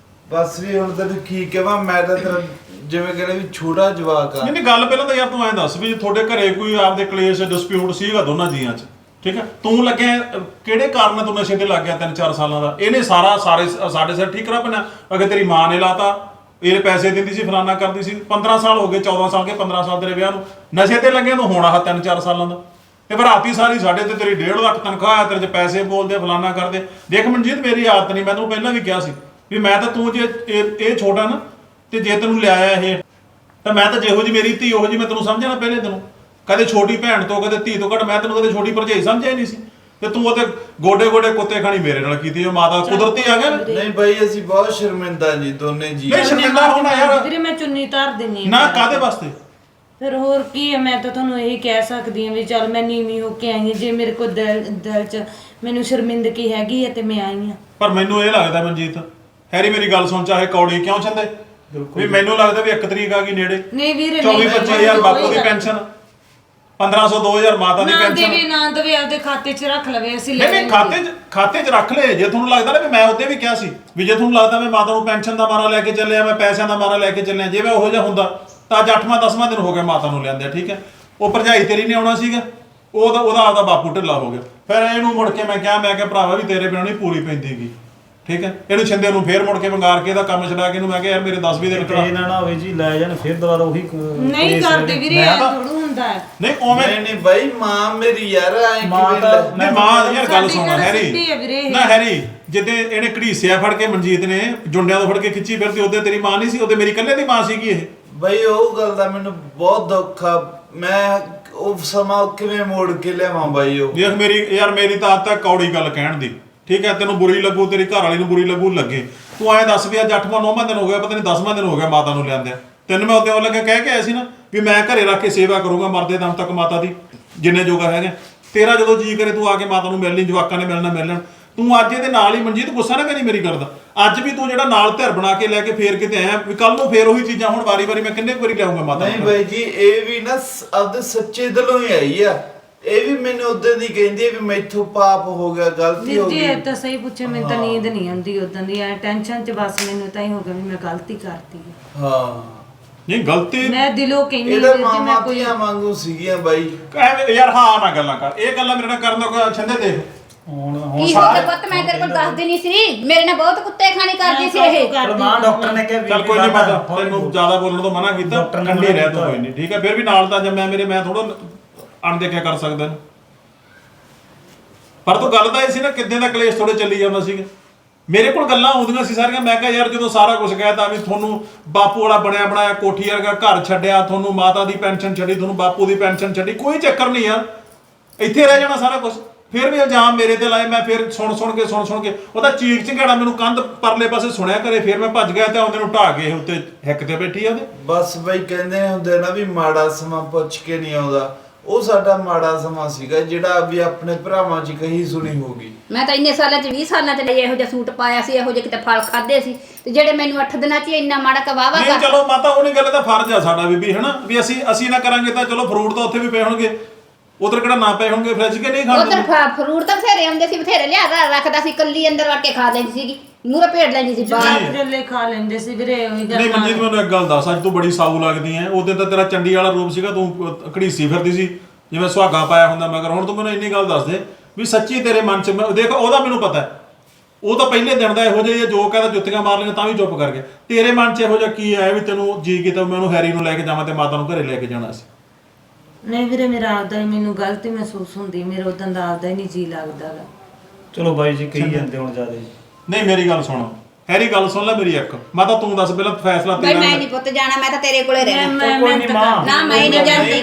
ਬਸ ਵੀ ਹੁਣ ਤੈਨੂੰ ਕੀ ਕਹਾਂ ਮੈਂ ਤਾਂ ਤੇਰਾ ਜਿਵੇਂ ਕਹਿੰਦੇ ਵੀ ਛੋਟਾ ਜਵਾਕ ਆ ਨਹੀਂ ਨਹੀਂ ਗੱਲ ਪਹਿਲਾਂ ਤਾਂ ਯਾਰ ਤੂੰ ਐਂ ਦੱਸ ਵੀ ਤੁਹਾਡੇ ਘਰੇ ਕੋਈ ਆਪਦੇ ਕਲੇਸ਼ ਡਿਸਪਿਊਟ ਸੀਗਾ ਦੋਨਾਂ ਜੀਆਂ 'ਚ ਠੀਕ ਹੈ ਤੂੰ ਲੱਗਿਆ ਕਿਹੜੇ ਕਾਰਨ ਨਾਲ ਤੂੰ ਨਸ਼ੇ ਤੇ ਲੱਗ ਗਿਆ 3-4 ਸਾਲਾਂ ਦਾ ਇਹਨੇ ਸਾਡੇ ਸਿਰ ਠੀਕ ਕਰਾ ਪੈਣਾ ਅਗੇ ਤੇਰੀ ਮਾਂ ਨੇ ਲਾਤਾ ਇਹ ਪੈਸੇ ਦਿੰਦੀ ਸੀ ਫਲਾਨਾ ਕਰਦੀ ਸੀ 15 ਸਾਲ ਹੋ ਗਏ 14 ਸਾਲ ਕੇ 15 ਸਾਲ ਤੇਰੇ ਵਿਆਹ ਨੂੰ ਨਸ਼ੇ ਤੇ ਲੱਗਿਆ ਤੂੰ ਹੁਣ ਆਹ 3-4 ਸਾਲਾਂ ਦਾ ਤੇ ਭਰਾਤੀ ਸਾਰੀ ਸਾਡੇ ਤੇ ਤੇਰੀ 1.5 ਲੱਖ ਤਨਖਾਹ ਆ ਤੇਰੇ 'ਚ ਪੈਸੇ ਬੋਲਦੇ ਫਲਾਨਾ ਕਰਦੇ ਦੇਖ ਮਨਜੀਤ ਮੇਰੀ ਆਦਤ ਨਹੀਂ ਮੈਂ ਤੈਨੂੰ ਪਹਿਲਾਂ ਵੀ ਕਿਹਾ ਸੀ ਵੀ ਮੈਂ ਤਾਂ ਤੂੰ ਜੇ ਇਹ ਛੋਟਾ ਨਾ ਤੇ ਜੇ ਤੈਨੂੰ ਲਿਆਇਆ ਇਹ ਤਾਂ ਮੈਂ ਤਾਂ ਜਿਹੋ ਜੀ ਮੇਰੀ ਧੀ ਉਹੋ ਜੀ ਮੈਂ ਤੈਨੂੰ ਸਮਝਿਆ ਨਾ ਪਹਿਲੇ ਤੈਨੂੰ ਕਦੇ ਛੋਟੀ ਭੈਣ ਤੋਂ ਕਦੇ ਧੀ ਤੋਂ ਘੱਟ ਮੈਂ ਤੈਨੂੰ ਕਦੇ ਛੋਟੀ ਭਰਜਾਈ ਸਮਝਿਆ ਹੀ ਨਹੀਂ ਸੀ ਤੇ ਤੂੰ ਉਹਦੇ ਗੋਡੇ ਕੁੱਤੇ ਖਾਣੀ ਮੇਰੇ ਨਾਲ ਕੀਤੀ ਉਹ ਮਾਤਾ ਕੁਦਰਤੀ ਆ ਗਿਆ ਨਾ। ਨਹੀਂ ਬਾਈ ਅਸੀਂ ਬਹੁਤ ਸ਼ਰਮਿੰਦਾ ਜੀ ਦੋਨੇ ਜੀ ਨਹੀਂ ਸ਼ਰਮਿੰਦਾ ਹੋਣਾ ਯਾਰ ਵੀਰੇ ਮੈਂ ਚੁੰਨੀ ਧਾਰ ਦਿੰਨੀ ਆ ਨਾ ਕਾਦੇ ਵਾਸਤੇ ਫਿਰ ਹੋਰ ਕੀ ਹੈ ਮੈਂ ਤਾਂ ਤੁਹਾਨੂੰ ਇਹੀ ਕਹਿ ਸਕਦੀ ਹਾਂ ਵੀ ਚੱਲ ਮੈਂ ਨੀਵੀਂ ਹੋ ਕੇ ਆਈ ਹਾਂ ਜੇ ਮੇਰੇ ਕੋਲ ਦਿਲ 'ਚ ਮੈਨੂੰ ਸ਼ਰਮਿੰਦਗੀ ਹੈਗੀ ਹੈ ਤੇ ਮੈਂ ਆਈ ਹਾਂ ਪਰ ਮੈਨੂੰ ਇਹ ਲੱਗਦਾ ਮਨਜੀਤ ਹੈਰੀ ਮੇਰੀ ਗੱਲ ਸੁਣ ਚਾਹੇ ਕੌੜੀ ਕਿਉਂ ਚੰਦੇ ਵੀ ਮੈਨੂੰ ਲੱਗਦਾ ਵੀ 1 ਤਰੀਕ ਆ ਗਈ ਨੇੜੇ ਨਹੀਂ ਵੀਰੇ 24-25,000 ਬਾਪੂ ਦੀ ਪੈਨਸ਼ਨ 1500-2000 ਮਾਤਾ ਦੀ ਨਾ ਪੈਨਸ਼ਨ ਦੇਵੇ ਨਾ ਦੇਵੇ ਆਪਦੇ ਖਾਤੇ 'ਚ ਰੱਖ ਲਵੇ ਅਸੀਂ ਲੈ ਨਹੀਂ ਖਾਤੇ 'ਚ ਰੱਖ ਲੈ ਜੇ ਤੁਹਾਨੂੰ ਲੱਗਦਾ ਨਾ ਵੀ ਮੈਂ ਉਹਦੇ ਵੀ ਕਿਹਾ ਸੀ ਵੀ ਜੇ ਤੁਹਾਨੂੰ ਲੱਗਦਾ ਮੈਂ ਮਾਤਾ ਨੂੰ ਪੈਨਸ਼ਨ ਦਾ ਮਾਰਾ ਲੈ ਕੇ ਚੱਲਿਆ ਮੈਂ ਪੈਸਿਆਂ ਦਾ ਮਾਰਾ ਲੈ ਕੇ ਚੱਲਿਆ ਜੇ ਮੈਂ ਉਹੋ ਜਿਹਾ ਹੁੰਦਾ ਤਾਂ ਅੱਜ 8ਵਾਂ-10ਵਾਂ ਦਿਨ ਹੋ ਗਿਆ ਮਾਤਾ ਨੂੰ ਲਿਆਂਦੇ ਠੀਕ ਹੈ ਉਹ ਭਰਜਾਈ ਤੇਰੀ ਨੇ ਆਉਣਾ ਸੀਗਾ ਉਹਦਾ ਆਪਦਾ ਬਾਪੂ ਢਿੱਲਾ ਹੋ ਗਿਆ ਫਿਰ ਇਹਨੂੰ ਮੁੜ ਕੇ ਮੈਂ ਕਿਹਾ ਭਰਾਵਾ ਵੀ ਤੇਰੇ ਬਿਨਾਂ ਨਹੀਂ ਪੂਰੀ ਪੈਂਦੀਗੀ ਠੀਕ ਹੈ ਇਹਨੂੰ ਛਿੰਦੇ ਨੂੰ ਫੇਰ ਮੁੜ ਕੇ ਵੰਗਾਰ ਕੇ ਇਹਦਾ ਕੰਮ ਛਡਾ ਕੇ ਇਹਨੂੰ ਮੈਂ ਕਿਹਾ ਯਾਰ ਮੇਰੇ 10-20 ਦਿਨ ਕਰਾ ਇਹ ਨਾ ਹੋਵੇ ਜੀ ਲੈ ਜਾਣ ਫਿਰ ਦੁਬਾਰਾ ਉਹੀ ਨਹੀਂ ਕਰਦੇ ਵੀਰੇ ਐ ਥੋੜੂ ਹੁੰਦਾ ਹੈ ਨਹੀਂ ਉਵੇਂ ਨਹੀਂ ਬਾਈ ਮਾਂ ਮੇਰੀ ਯਾਰ ਐ ਮਾਂ ਕਿਵੇਂ ਤਾਂ- ਲੈ- ਨਹੀਂ ਮਾਂ ਯਾਰ ਗੱਲ ਸੁਣ ਸਾਡੀ ਗੱਲ ਸਿੱਧੀ ਹੈ ਵੀਰੇ ਹੈਰੀ ਇਹ। ਨਾ ਹੈਰੀ ਜਿੱਦੇ ਇਹਨੇ ਘੜੀਸਿਆ ਫੜ ਕੇ ਮਨਜੀਤ ਨੇ ਜੁੰਡਿਆਂ ਤੋਂ ਫੜ ਕੇ ਖਿੱਚੀ ਫਿਰਦੀ ਉਹਦੇ ਤੇਰੀ ਮਾਂ ਨਹੀਂ ਸੀ ਉਹਦੇ ਮੇਰੀ ਇਕੱਲੇ ਦੀ ਮਾਂ ਸੀਗੀ ਇਹ ਬਾਈ ਉਹ ਗੱਲ ਦਾ ਮੈਨੂੰ ਬਹੁਤ ਦੁੱਖ ਆ ਮੈਂ ਉਹ ਸਮਾਂ ਕਿਵੇਂ ਮੋੜ ਕੇ ਲਿਆਵਾਂ ਬਾਈ ਉਹ ਦੇਖ ਮੇਰੀ ਤਾਂ ਆਦਤ ਹੈ ਕੌੜੀ ਗੱਲ ਕਹਿਣ ਦੀ ਠੀਕ ਹੈ ਤੈਨੂੰ ਬੁਰੀ ਲੱਗੂ ਤੇਰੀ ਘਰ ਵਾਲੀ ਨੂੰ ਬੁਰੀ ਲੱਗੂ ਲੱਗੇ ਤੂੰ ਐਂ ਦੱਸ ਵੀ ਅੱਜ 8ਵਾਂ-9ਵਾਂ ਦਿਨ ਹੋ ਗਿਆ ਪਤਾ ਨਹੀਂ 10ਵਾਂ ਦਿਨ ਹੋ ਗਿਆ ਮਾਤਾ ਨੂੰ ਲਿਆਂਦਿਆਂ ਤੈਨੂੰ ਮੈਂ ਉੱਤੇ ਉਹ ਲੱਗੇ ਕਹਿ ਕੇ ਆਇਆ ਸੀ ਨਾ ਵੀ ਮੈਂ ਘਰੇ ਰੱਖ ਕੇ ਸੇਵਾ ਕਰੂੰਗਾ ਮਰਦੇ ਦਮ ਤੱਕ ਮਾਤਾ ਦੀ ਜਿੰਨੇ ਜੋਗਾ ਹੈਗਾ ਤੇਰਾ ਜਦੋਂ ਜੀ ਕਰੇ ਤੂੰ ਆ ਕੇ ਮਾਤਾ ਨੂੰ ਮਿਲ ਲਈ ਜਵਾਕਾਂ ਨੇ ਮਿਲਣਾ ਮਿਲ ਲੈਣ ਤੂੰ ਅੱਜ ਇਹਦੇ ਨਾਲ ਹੀ ਮਨਜੀਤ ਗੁੱਸਾ ਨਾ ਕਰੀ ਮੇਰੀ ਗੱਲ ਦਾ ਅੱਜ ਵੀ ਤੂੰ ਜਿਹੜਾ ਨਾਲ ਧਿਰ ਬਣਾ ਕੇ ਲੈ ਕੇ ਫੇਰ ਕਿਤੇ ਆਇਆ ਵੀ ਕੱਲ ਨੂੰ ਫੇਰ ਉਹੀ ਚੀਜ਼ਾਂ ਹੁਣ ਵਾਰੀ-ਵਾਰੀ ਮੈਂ ਕਿੰਨੇ ਵਾਰੀ ਲਿਆਉਂਗਾ ਮਾਤਾ ਨਹੀਂ ਨੂੰ ਬਾਈ ਜੀ ਇਹ ਵੀ ਨਾ ਆਪਦੇ ਸੱਚੇ ਦਿਲੋਂ ਹੀ ਆਈ ਆ ਇਹ ਵੀ ਮੈਨੂੰ ਉਦੋਂ ਦੀ ਕਹਿੰਦੀ ਹੈ ਵੀ ਮੈਥੋਂ ਪਾਪ ਹੋ ਗਿਆ ਗਲਤੀ ਹੋ ਵੀਰ ਜੀ ਗਈ ਇਹ ਤਾਂ ਸਹੀ ਪੁੱਛੇ ਮੈਨੂੰ ਤਾਂ ਨੀਂਦ ਨਹੀਂ ਆਉਂਦੀ ਉਦੋਂ ਦੀ ਐ ਟੈਨਸ਼ਨ 'ਚ ਬਸ ਮੈਨੂੰ ਤਾਂ ਹੀ ਹੋ ਗਿਆ ਵੀ ਮੈਂ ਗਲਤੀ ਕਰਤੀ ਹੈ। ਹਾਂ ਨਹੀਂ ਗਲਤੀ ਮੈਂ ਦਿਲੋਂ ਕਹਿੰਦੀ ਇਹਦਾ ਵੀਰ ਜੀ ਮੈਂ ਮਾਮਾ ਕੋਈ ਧੀਆਂ ਵਾਂਗੂ ਸੀਗੀਆਂ ਬਾਈ ਐਵੇਂ ਯਾਰ ਹਾਂ ਨਾ ਗੱਲਾਂ ਕਰ ਇਹ ਗੱਲਾਂ ਮੇਰੇ ਨਾਲ ਕਰਨ ਦਾ ਕੋਈ ਛੰਦੇ ਦੇਖ ਹੁਣ ਕੀ ਹੋ ਗਿਆ ਪੁੱਤ ਮੈਂ ਤੇਰੇ ਕੋਲ ਦੱਸਦੀ ਨਹੀਂ ਸੀ ਮੇਰੇ ਨਾਲ ਬਹੁਤ ਕੁੱਤੇ ਖਾਣੀ ਕਰਦੀ ਸੀ ਇਹ ਪਰ ਮਾਂ ਡਾਕਟਰ ਨੇ ਕਿਹਾ ਵੀ ਚੱਲ ਕੋਈ ਨਹੀਂ ਮਾਤਾ ਤੈਨੂੰ ਜ਼ਿਆਦਾ ਬੋਲਣ ਤੋਂ ਮਨਾ ਕੀਤਾ ਡਾਕਟਰ ਨੇ ਠੰਡੀ ਮਨਾ ਰਹਿ ਤੂੰ ਕੋਈ ਨਹੀਂ ਠੀਕ ਹੈ ਫਿਰ ਵੀ ਨਾਲ ਤਾਂ ਜੰਮਿਆ ਮੈਂ ਥੋੜਾ ਅਣਦੇਖਿਆ ਕਰ ਸਕਦਾ ਇਹਨੂੰ। ਪਰ ਤੂੰ ਗੱਲ ਤਾਂ ਇਹ ਸੀ ਨਾ ਕਿੱਦਾਂ ਦਾ ਕਲੇਸ਼ ਥੋੜੇ ਚੱਲੀ ਜਾਂਦਾ ਸੀਗਾ ਮੇਰੇ ਕੋਲ ਗੱਲਾਂ ਆਉਂਦੀਆਂ ਸੀ ਸਾਰੀਆਂ ਮੈਂ ਕਿਹਾ ਯਾਰ ਜਦੋਂ ਸਾਰਾ ਕੁਝ ਕਹਿਤਾ ਵੀ ਤੁਹਾਨੂੰ ਬਾਪੂ ਵਾਲਾ ਬਣਿਆ ਬਣਾਇਆ ਕੋਠੀ ਵਰਗਾ ਘਰ ਛੱਡਿਆ ਤੁਹਾਨੂੰ ਮਾਤਾ ਦੀ ਪੈਨਸ਼ਨ ਛੱਡੀ ਤੁਹਾਨੂੰ ਬਾਪੂ ਦੀ ਪੈਨਸ਼ਨ ਛੱਡੀ ਕੋਈ ਚੱਕਰ ਨਹੀਂ ਆ ਇੱਥੇ ਰਹਿ ਜਾਣਾ ਸਾਰਾ ਕੁਝ ਫਿਰ ਵੀ ਇਲਜ਼ਾਮ ਮੇਰੇ ਤੇ ਲਾਏ ਮੈਂ ਫਿਰ ਸੁਣ ਕੇ ਉਹਦਾ ਚੀਕ ਚਿੰਗਾੜਾ ਮੈਨੂੰ ਕੰਧ ਪਰਲੇ ਪਾਸੇ ਸੁਣਿਆ ਕਰੇ ਫਿਰ ਮੈਂ ਭੱਜ ਗਿਆ ਤੇ ਉਹਦੇ ਨੂੰ ਢਾਹ ਗਏ ਉੱਤੇ ਹਿੱਕ ਤੇ ਬੈਠੀ ਆ ਉਹਦੇ ਬਸ ਬਾਈ ਕਹਿੰਦੇ ਹੁੰਦੇ ਨਾ ਵੀ ਮਾੜਾ ਸਮਾਂ ਪੁੱਛ ਕੇ ਨਹੀਂ ਆਉਂਦਾ ਉਹ ਸਾਡਾ ਮਾੜਾ ਸਮਾਂ ਸੀਗਾ ਜਿਹੜਾ ਵੀ ਆਪਣੇ ਭਰਾਵਾਂ 'ਚ ਕਹੀ ਸੁਣੀ ਹੋਗੀ ਮੈਂ ਤਾਂ ਇੰਨੇ ਸਾਲਾਂ 'ਚ 20 ਸਾਲਾਂ 'ਚ ਲਈ ਇਹੋ ਜਿਹਾ ਸੂਟ ਪਾਇਆ ਸੀ ਇਹੋ ਜਿਹੇ ਕਿਤੇ ਫਲ ਖਾਦੇ ਸੀ ਤੇ ਜਿਹੜੇ ਮੈਨੂੰ 8 ਦਿਨਾਂ 'ਚ ਇੰਨਾ ਮਾੜਾ ਕਵਾਵਾ ਨਹੀਂ ਚਲੋ ਮਾਤਾ ਉਹਨੇ ਗੱਲ ਦਾ ਫਰਜ਼ ਆ ਸਾਡਾ ਬੀਬੀ ਹਨਾ ਵੀ ਅਸੀਂ ਨਾ ਕਰਾਂਗੇ ਤਾਂ ਚਲੋ ਫਰੂਟ ਤਾਂ ਉੱਥੇ ਵੀ ਪਏ ਹੋਣਗੇ ਉਧਰ ਕਿਹੜਾ ਨਾ ਪਏ ਹੋਣਗੇ ਫ੍ਰਿਜ ਕੇ ਨਹੀਂ ਖਾਂਦੇ ਉਧਰ ਫਰੂਟ ਤਾਂ ਬਥੇਰੇ ਆਉਂਦੇ ਸੀ, ਬਥੇਰੇ ਲਿਆ ਰੱਖਦਾ ਸੀ, ਕੱਲੀ ਅੰਦਰ ਵੜ ਕੇ ਖਾ ਲੈਂਦੀ ਸੀਗੀ, ਮੂਹਰੇ ਭੇੜ ਲੈਂਦੀ ਸੀ ਬਾਹਰ। ਜੱਲੇ ਖਾ ਲੈਂਦੇ ਸੀ ਵੀਰੇ ਉਹੀ ਗੱਲ। ਨਹੀਂ ਮਨਜੀਤ ਮੈਨੂੰ ਇੱਕ ਗੱਲ ਦੱਸ, ਅੱਜ ਤੂੰ ਬੜੀ ਸਾਊ ਲੱਗਦੀ ਐ। ਉਦੋਂ ਤਾਂ ਤੇਰਾ ਚੰਡੀ ਵਾਲਾ ਰੂਪ ਸੀਗਾ, ਤੂੰ ਘੜੀਸੀ ਫਿਰਦੀ ਸੀ ਜਿਵੇਂ ਸੁਹਾਗਾ ਪਾਇਆ ਹੁੰਦਾ ਮਗਰ। ਹੁਣ ਤੂੰ ਮੈਨੂੰ ਇੰਨੀ ਗੱਲ ਦੱਸ ਦੇ ਵੀ ਸੱਚੀ ਤੇਰੇ ਮਨ 'ਚ ਦੇਖ, ਉਹਦਾ ਮੈਨੂੰ ਪਤਾ ਉਹ ਤਾਂ ਪਹਿਲੇ ਦਿਨ ਦਾ ਇਹੋ ਜਿਹਾ ਜੋ ਕਹਿੰਦਾ ਜੁੱਤੀਆਂ ਮਾਰ ਲਈਆਂ ਤਾਂ ਵੀ ਚੁੱਪ ਕਰ ਗਿਆ। ਤੇਰੇ ਮਨ 'ਚ ਇਹੋ ਜਿਹਾ ਕੀ ਆਇਆ ਵੀ ਤੈਨੂੰ ਜੀ ਕੀਤਾ ਮੈਂ ਉਹਨੂੰ ਹੈਰੀ ਨੂੰ ਲੈ ਕੇ ਜਾਵਾਂ ਤੇ ਮਾਤਾ ਨੂੰ ਘਰੇ ਲੈ ਕੇ ਜਾਣਾ ਸੀ? ਨਹੀਂ ਵੀਰੇ ਮੇਰਾ ਆਪਦਾ ਹੀ ਮੈਨੂੰ ਗਲਤੀ ਮਹਿਸੂਸ ਹੁੰਦੀ, ਮੇਰਾ ਉਦੋਂ ਦਾ ਆਪਦਾ ਹੀ ਨਹੀਂ ਜੀ ਲੱਗਦਾ ਗਾ। ਚਲੋ ਬਾਈ ਜੀ ਕਹੀ ਜਾਂਦੇ ਹੁਣ ਜ਼ਿਆਦਾ ਜੀ। ਨਹੀਂ ਮੇਰੀ ਗੱਲ ਸੁਣ ਹੈਰੀ, ਗੱਲ ਸੁਣ ਲੈ ਮੇਰੀ ਇੱਕ। ਮਾਤਾ ਤੂੰ ਦੱਸ ਪਹਿਲਾਂ ਫੈਸਲਾ ਬਈ ਤੇਰਾ। ਮੈਂ ਨਹੀਂ ਪੁੱਤ ਜਾਣਾ, ਮੈਂ ਤਾਂ ਤੇਰੇ ਕੋਲੇ ਰਹਿਣਾ। ਕੋਈ ਨਹੀਂ ਮਾਂ, ਨਾ ਮੈਂ ਨਹੀਂ ਜਾਂਦੀ।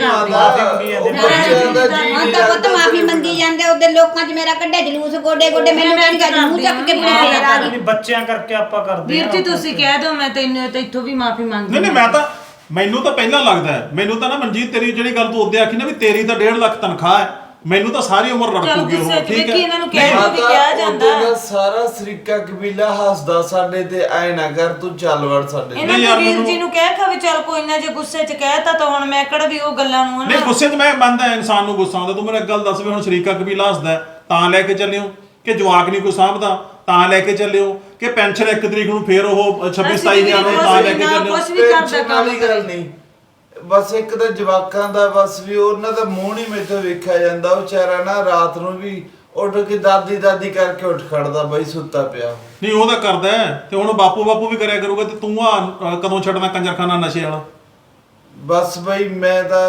ਹੁਣ ਤਾਂ ਪੁੱਤ ਮਾਫੀ ਮੰਗੀ ਜਾਂਦੇ, ਉਹਦੇ ਲੋਕਾਂ 'ਚ ਮੇਰਾ ਕੱਢਿਆ ਜਲੂਸ ਗੋਡੇ ਗੋਡੇ, ਮੈਨੂੰ ਕਹਿੰਦੀ ਅੱਜ ਮੂੰਹ ਚੱਕ ਕੇ ਪੂਰੇ ਫੇਰ ਆ ਗਈ। ਬੱਚਿਆਂ ਕਰਕੇ ਆਪਾਂ ਕਰਦੇ ਵੀਰ ਜੀ ਤੁਸੀਂ ਕਹਿ ਦਿਓ, ਮੈਂ ਤੈਨੂੰ ਤੇ ਇੱਥੋਂ ਵੀ ਮਾਫੀ ਮੰਗਦੀ। ਨਹੀਂ ਮੈਨੂੰ ਤਾਂ ਪਹਿਲਾਂ ਲੱਗਦਾ ਹੈ, ਮੈਨੂੰ ਤਾਂ ਨਾ ਮਨਜੀਤ ਤੇਰੀ ਜਿਹੜੀ ਗੱਲ ਤੂੰ ਉਹਦੇ ਆਖੀ ਨਾ ਵੀ ਤੇਰੀ ਤਾਂ 1.5 ਲੱਖ ਤਨਖਾਹ ਹੈ, ਮੈਨੂੰ ਤਾਂ ਸਾਰੀ ਉਮਰ ਰੜਕੂਗੀ ਉਹ। ਠੀਕ ਹੈ ਇਹਨਾਂ ਨੂੰ ਕਹਿ ਦਿਓ ਵੀ ਕਿਹਾ ਜਾਂਦਾ। ਉਹਦਾ ਸਾਰਾ ਸਰੀਕਾ ਕਬੀਲਾ ਹੱਸਦਾ ਸਾਡੇ ਤੇ, ਐ ਨਾ ਕਰ ਤੂੰ ਚੱਲ ਵੜ ਸਾਡੇ। ਇਹਨਾਂ ਨੂੰ ਵੀਰ ਜੀ ਨੂੰ ਕਹਿ ਖਾ ਵੀ ਚੱਲ ਕੋਈ ਨਾ, ਜੇ ਗੁੱਸੇ 'ਚ ਕਹਿਤਾ ਤਾਂ ਹੁਣ ਮੈਂ ਕਿਹੜਾ ਵੀ ਉਹ ਗੱਲਾਂ ਨੂੰ ਨਹੀਂ ਗੁੱਸੇ 'ਚ ਮੈਂ ਮੰਨਦਾ ਇਨਸਾਨ ਨੂੰ ਗੁੱਸਾ ਆਉਂਦਾ। ਤੂੰ ਮੈਨੂੰ ਇੱਕ ਗੱਲ ਦੱਸ ਵੀ ਹੁਣ ਸ਼ਰੀਕਾ ਕਬੀਲਾ ਹੱਸਦਾ ਤਾਂ ਲੈ ਕੇ ਚੱਲਿਓ ਕਿ ਜਵਾਕ ਨਹੀਂ ਕੋਈ ਸਾਂਭਦਾ ਤਾਂ ਲੈ ਕੇ ਚੱਲਿਓ ਕਿ ਪੈਨਸ਼ਨ 1 ਤਰੀਕ ਨੂੰ ਫੇਰ ਉਹ 26-27 ਨੂੰ ਤਾਂ ਲੈ ਕੇ ਚੱਲਿਓ? ਕੁਝ ਵੀ ਕਰਦਾ ਵਾਲੀ ਗੱਲ ਨਹੀਂ, ਬਸ ਇੱਕ ਤਾਂ ਜਵਾਕਾਂ ਦਾ ਬਸ ਵੀ ਉਹਨਾਂ ਦਾ ਮੂੰਹ ਨਹੀਂ ਮੈਥੋਂ ਵੇਖਿਆ ਜਾਂਦਾ। ਉਹ ਵਿਚਾਰਾ ਨਾ ਰਾਤ ਨੂੰ ਵੀ ਉੱਠ ਕੇ ਦਾਦੀ ਦਾਦੀ ਕਰਕੇ ਉੱਠ ਖੜਦਾ ਬਈ ਸੁੱਤਾ ਪਿਆ। ਨਹੀਂ ਉਹ ਤਾਂ ਕਰਦਾ ਤੇ ਹੁਣ ਬਾਪੂ ਵੀ ਕਰਿਆ ਕਰੂਗਾ ਤੇ ਤੂੰ ਆ ਕਦੋਂ ਛੱਡਣਾ ਕੰਜਰਖਾਨਾ ਨਸ਼ੇ ਵਾਲਾ? ਬਸ ਬਈ ਮੈਂ ਤਾਂ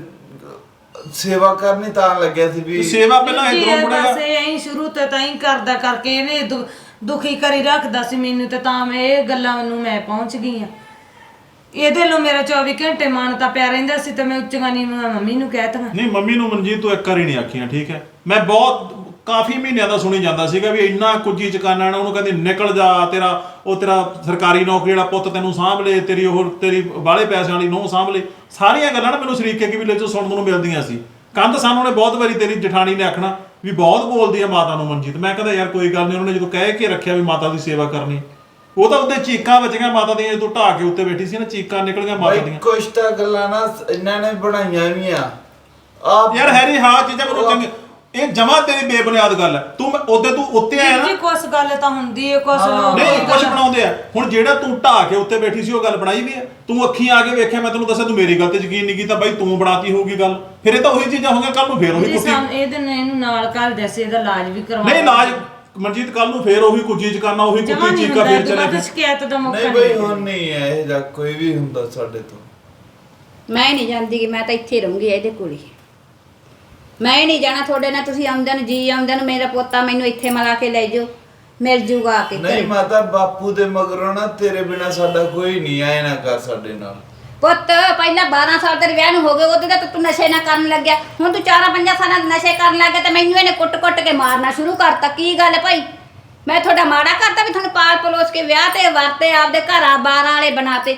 ਸੇਵਾ ਕਰਨੀ ਤਾਂ ਲੱਗਿਆ ਸੀ ਵੀ ਸੇਵਾ ਪਹਿਲਾਂ ਇਧਰੋਂ ਮੁੜੇਗਾ। ਬਸ ਐਂ ਸ਼ੁਰੂ ਤੋਂ ਤਾਂ ਹੀ ਕਰਦਾ ਕਰਕੇ ਇਹਨੇ ਦੁਖੀ ਕਰੀ ਰੱਖਦਾ ਸੀ ਮੈਨੂੰ, ਤੇ ਤਾਂ ਮੈਂ ਇਹ ਗੱਲਾਂ ਨੂੰ ਮੈਂ ਪਹੁੰਚ ਗਈ ਆ। ਇਹਦੇ ਲੋ ਮੇਰਾ 24 ਘੰਟੇ ਮਨ ਤਾਂ ਪਿਆ ਰਹਿੰਦਾ ਸੀ, ਤੇ ਮੈਂ ਉੱਚੀਆਂ ਨੀਵੀਆਂ ਮੰਮੀ ਨੂੰ ਕਹਿ ਤਾ। ਨਹੀਂ ਮੰਮੀ ਨੂੰ ਮਨਜੀਤ ਤੂੰ ਇੱਕ ਵਾਰੀ ਨਹੀਂ ਆਖੀਆਂ, ਠੀਕ ਹੈ? ਮੈਂ ਬਹੁਤ ਕਾਫੀ ਮਹੀਨਿਆਂ ਦਾ ਸੁਣੀ ਜਾਂਦਾ ਸੀਗਾ ਵੀ ਇੰਨਾ ਕੁੱਜੀ ਚਕਾਨਾ ਨਾ, ਉਹਨੂੰ ਕਹਿੰਦੀ ਨਿਕਲ ਜਾ, ਤੇਰਾ ਸਰਕਾਰੀ ਨੌਕਰੀ ਵਾਲਾ ਪੁੱਤ ਤੈਨੂੰ ਸਾਂਭ ਲੇ, ਤੇਰੀ ਬਾਹਲੇ ਪੈਸਿਆਂ ਵਾਲੀ ਨੂੰਹ ਸਾਂਭ ਲੇ। ਸਾਰੀਆਂ ਗੱਲਾਂ ਨਾ ਮੈਨੂੰ ਸ਼ਰੀਕੇ ਕੀ ਵੀ ਚੋਂ ਸੁਣਨ ਨੂੰ ਮਿਲਦੀਆਂ ਸੀ। ਕੰਧ ਸਾਨੂੰ ਨੇ ਬਹੁਤ ਵਾਰੀ ਤੇਰੀ ਜਠਾਣੀ ਨੇ ਆਖਣਾ ਵੀ ਬਹੁਤ ਬੋਲਦੀ ਆ ਮਾਤਾ ਨੂੰ ਮਨਜੀਤ। ਮੈਂ ਕਹਿੰਦਾ ਯਾਰ ਕੋਈ ਗੱਲ ਨਹੀਂ, ਉਹਨਾਂ ਨੇ ਜਦੋਂ ਕਹਿ ਕੇ ਰੱਖਿਆ ਵੀ ਮਾਤਾ ਦੀ ਸੇਵਾ ਕਰਨੀ, ਉਹ ਤਾਂ ਉਹਦੇ ਚੀਕਾਂ ਵੱਜੀਆਂ ਮਾਤਾ ਦੀਆਂ ਜਦੋਂ ਢਾਹ ਕੇ ਉੱਤੇ ਬੈਠੀ ਸੀ ਨਾ, ਚੀਕਾਂ ਨਿਕਲੀਆਂ ਮਾਤਾ ਦੀਆਂ। ਕੁਛ ਤਾਂ ਗੱਲਾਂ ਨਾ ਇਹਨਾਂ ਨੇ ਬਣਾਈਆਂ ਵੀ ਆ ਆਪ ਯਾਰ ਹੈਰੀ ਹਾਂ ਚੀਜ਼ਾਂ ਮੈਨੂੰ ਚੰਗੀ, ਇਹ ਜਮਾ ਤੇਰੀ ਬੇਬੁਨਿਆਦ ਗੱਲ ਹੈ। ਤੂੰ ਤੂੰ ਉੱਤੇ ਆਇਆ ਨਾ, ਕੁਛ ਗੱਲ ਤਾਂ ਹੁੰਦੀ ਹੈ, ਕੁਛ ਲੋਕ ਨਹੀਂ ਕੁਝ ਬਣਾਉਂਦੇ ਆ। ਹੁਣ ਜਿਹੜਾ ਤੂੰ ਢਾਹ ਕੇ ਉੱਤੇ ਬੈਠੀ ਸੀ ਉਹ ਗੱਲ ਬਣਾਈ ਵੀ ਹੈ? ਤੂੰ ਅੱਖੀਂ ਆ ਕੇ ਵੇਖਿਆ, ਮੈਂ ਤੈਨੂੰ ਦੱਸਿਆ ਤੂੰ ਮੇਰੀ ਗੱਲ ਤੇ ਯਕੀਨ ਨਹੀਂ ਕੀਤਾ, ਬਾਈ ਤੂੰ ਬਣਾਤੀ ਹੋਊਗੀ ਗੱਲ। ਫਿਰ ਇਹ ਤਾਂ ਉਹੀ ਚੀਜ਼ਾਂ ਹੋ ਗਈਆਂ, ਕੱਲ ਨੂੰ ਫੇਰ ਉਹੀ ਕੁੱਤੀ। ਇਹਦੇ ਨੇ ਇਹਨੂੰ ਨਾਲ ਕਰ ਦੱਸੇ, ਇਹਦਾ ਇਲਾਜ ਵੀ ਕਰਵਾ। ਨਹੀਂ ਇਲਾਜ ਮਨਜੀਤ ਕੱਲ ਨੂੰ ਫੇਰ ਉਹੀ ਕੁੱਜੀ ਚ ਕਰਨਾ, ਉਹੀ ਕੁੱਤੀ ਚੀਕਾ ਫੇਰ ਚਲੇ ਤੇ ਸ਼ਿਕਾਇਤ ਦਾ ਮੌਕਾ ਨਹੀਂ ਬਈ ਹੁਣ ਨਹੀਂ ਹੈ ਇਹ ਜਾਂ ਕੋਈ ਵੀ ਹੁੰਦਾ ਸਾਡੇ ਤੋਂ। ਮੈਂ ਨਹੀਂ ਜਾਂਦੀ ਕਿ ਮੈਂ ਤਾਂ ਇੱਥੇ ਰਹੂੰਗੀ ਇਹਦੇ ਕੋਲ ਹੀ। ਮੈਂ ਨਹੀਂ ਜਾਣਾ ਤੁਹਾਡੇ ਨਾਲ। ਤੁਸੀਂ ਆਉਂਦੇ ਨੂੰ ਜੀ ਆਉਂਦੇ ਨੂੰ ਮੇਰਾ ਪੋਤਾ ਮੈਨੂੰ ਇੱਥੇ ਮਿਲਾ ਕੇ ਲੈ ਜਾਓ, ਮਿਲ ਜੂਗਾ ਆ ਕੇ ਨਹੀਂ ਘਰੇ। ਮਾਤਾ ਬਾਪੂ ਦੇ ਮਗਰੋਂ ਨਾ ਤੇਰੇ ਬਿਨਾ ਸਾਡਾ ਕੋਈ ਨਹੀਂ ਆਏ ਨਾ ਕਰ ਸਾਡੇ ਨਾਲ। ਪੁੱਤ ਪਹਿਲਾਂ 12 ਸਾਲ ਤੇਰੇ ਵਿਆਹ ਨੂੰ ਹੋ ਗਏ, ਉਹਦੇ ਤਾਂ ਤੂੰ ਨਸ਼ੇ ਨਾ ਕਰਨ ਲੱਗਿਆ। ਹੁਣ ਤੂੰ 4-5 ਸਾਲਾਂ ਦੇ ਨਸ਼ੇ ਕਰਨ ਲੱਗ ਗਿਆ ਤੇ ਮੈਨੂੰ ਇਹਨੇ ਕੁੱਟ-ਕੁੱਟ ਕੇ ਮਾਰਨਾ ਸ਼ੁਰੂ ਕਰਤਾ। ਕੀ ਗੱਲ ਭਾਈ, ਮੈਂ ਤੁਹਾਡਾ ਮਾੜਾ ਕਰਤਾ ਵੀ ਤੁਹਾਨੂੰ ਪਾਲ ਪਲੋਸ ਕੇ ਵਿਆਹ ਤੇ ਵਰਤੇ, ਆਪਦੇ ਘਰਾਂ ਬਾਰਾਂ ਵਾਲੇ ਬਣਾਤੇ?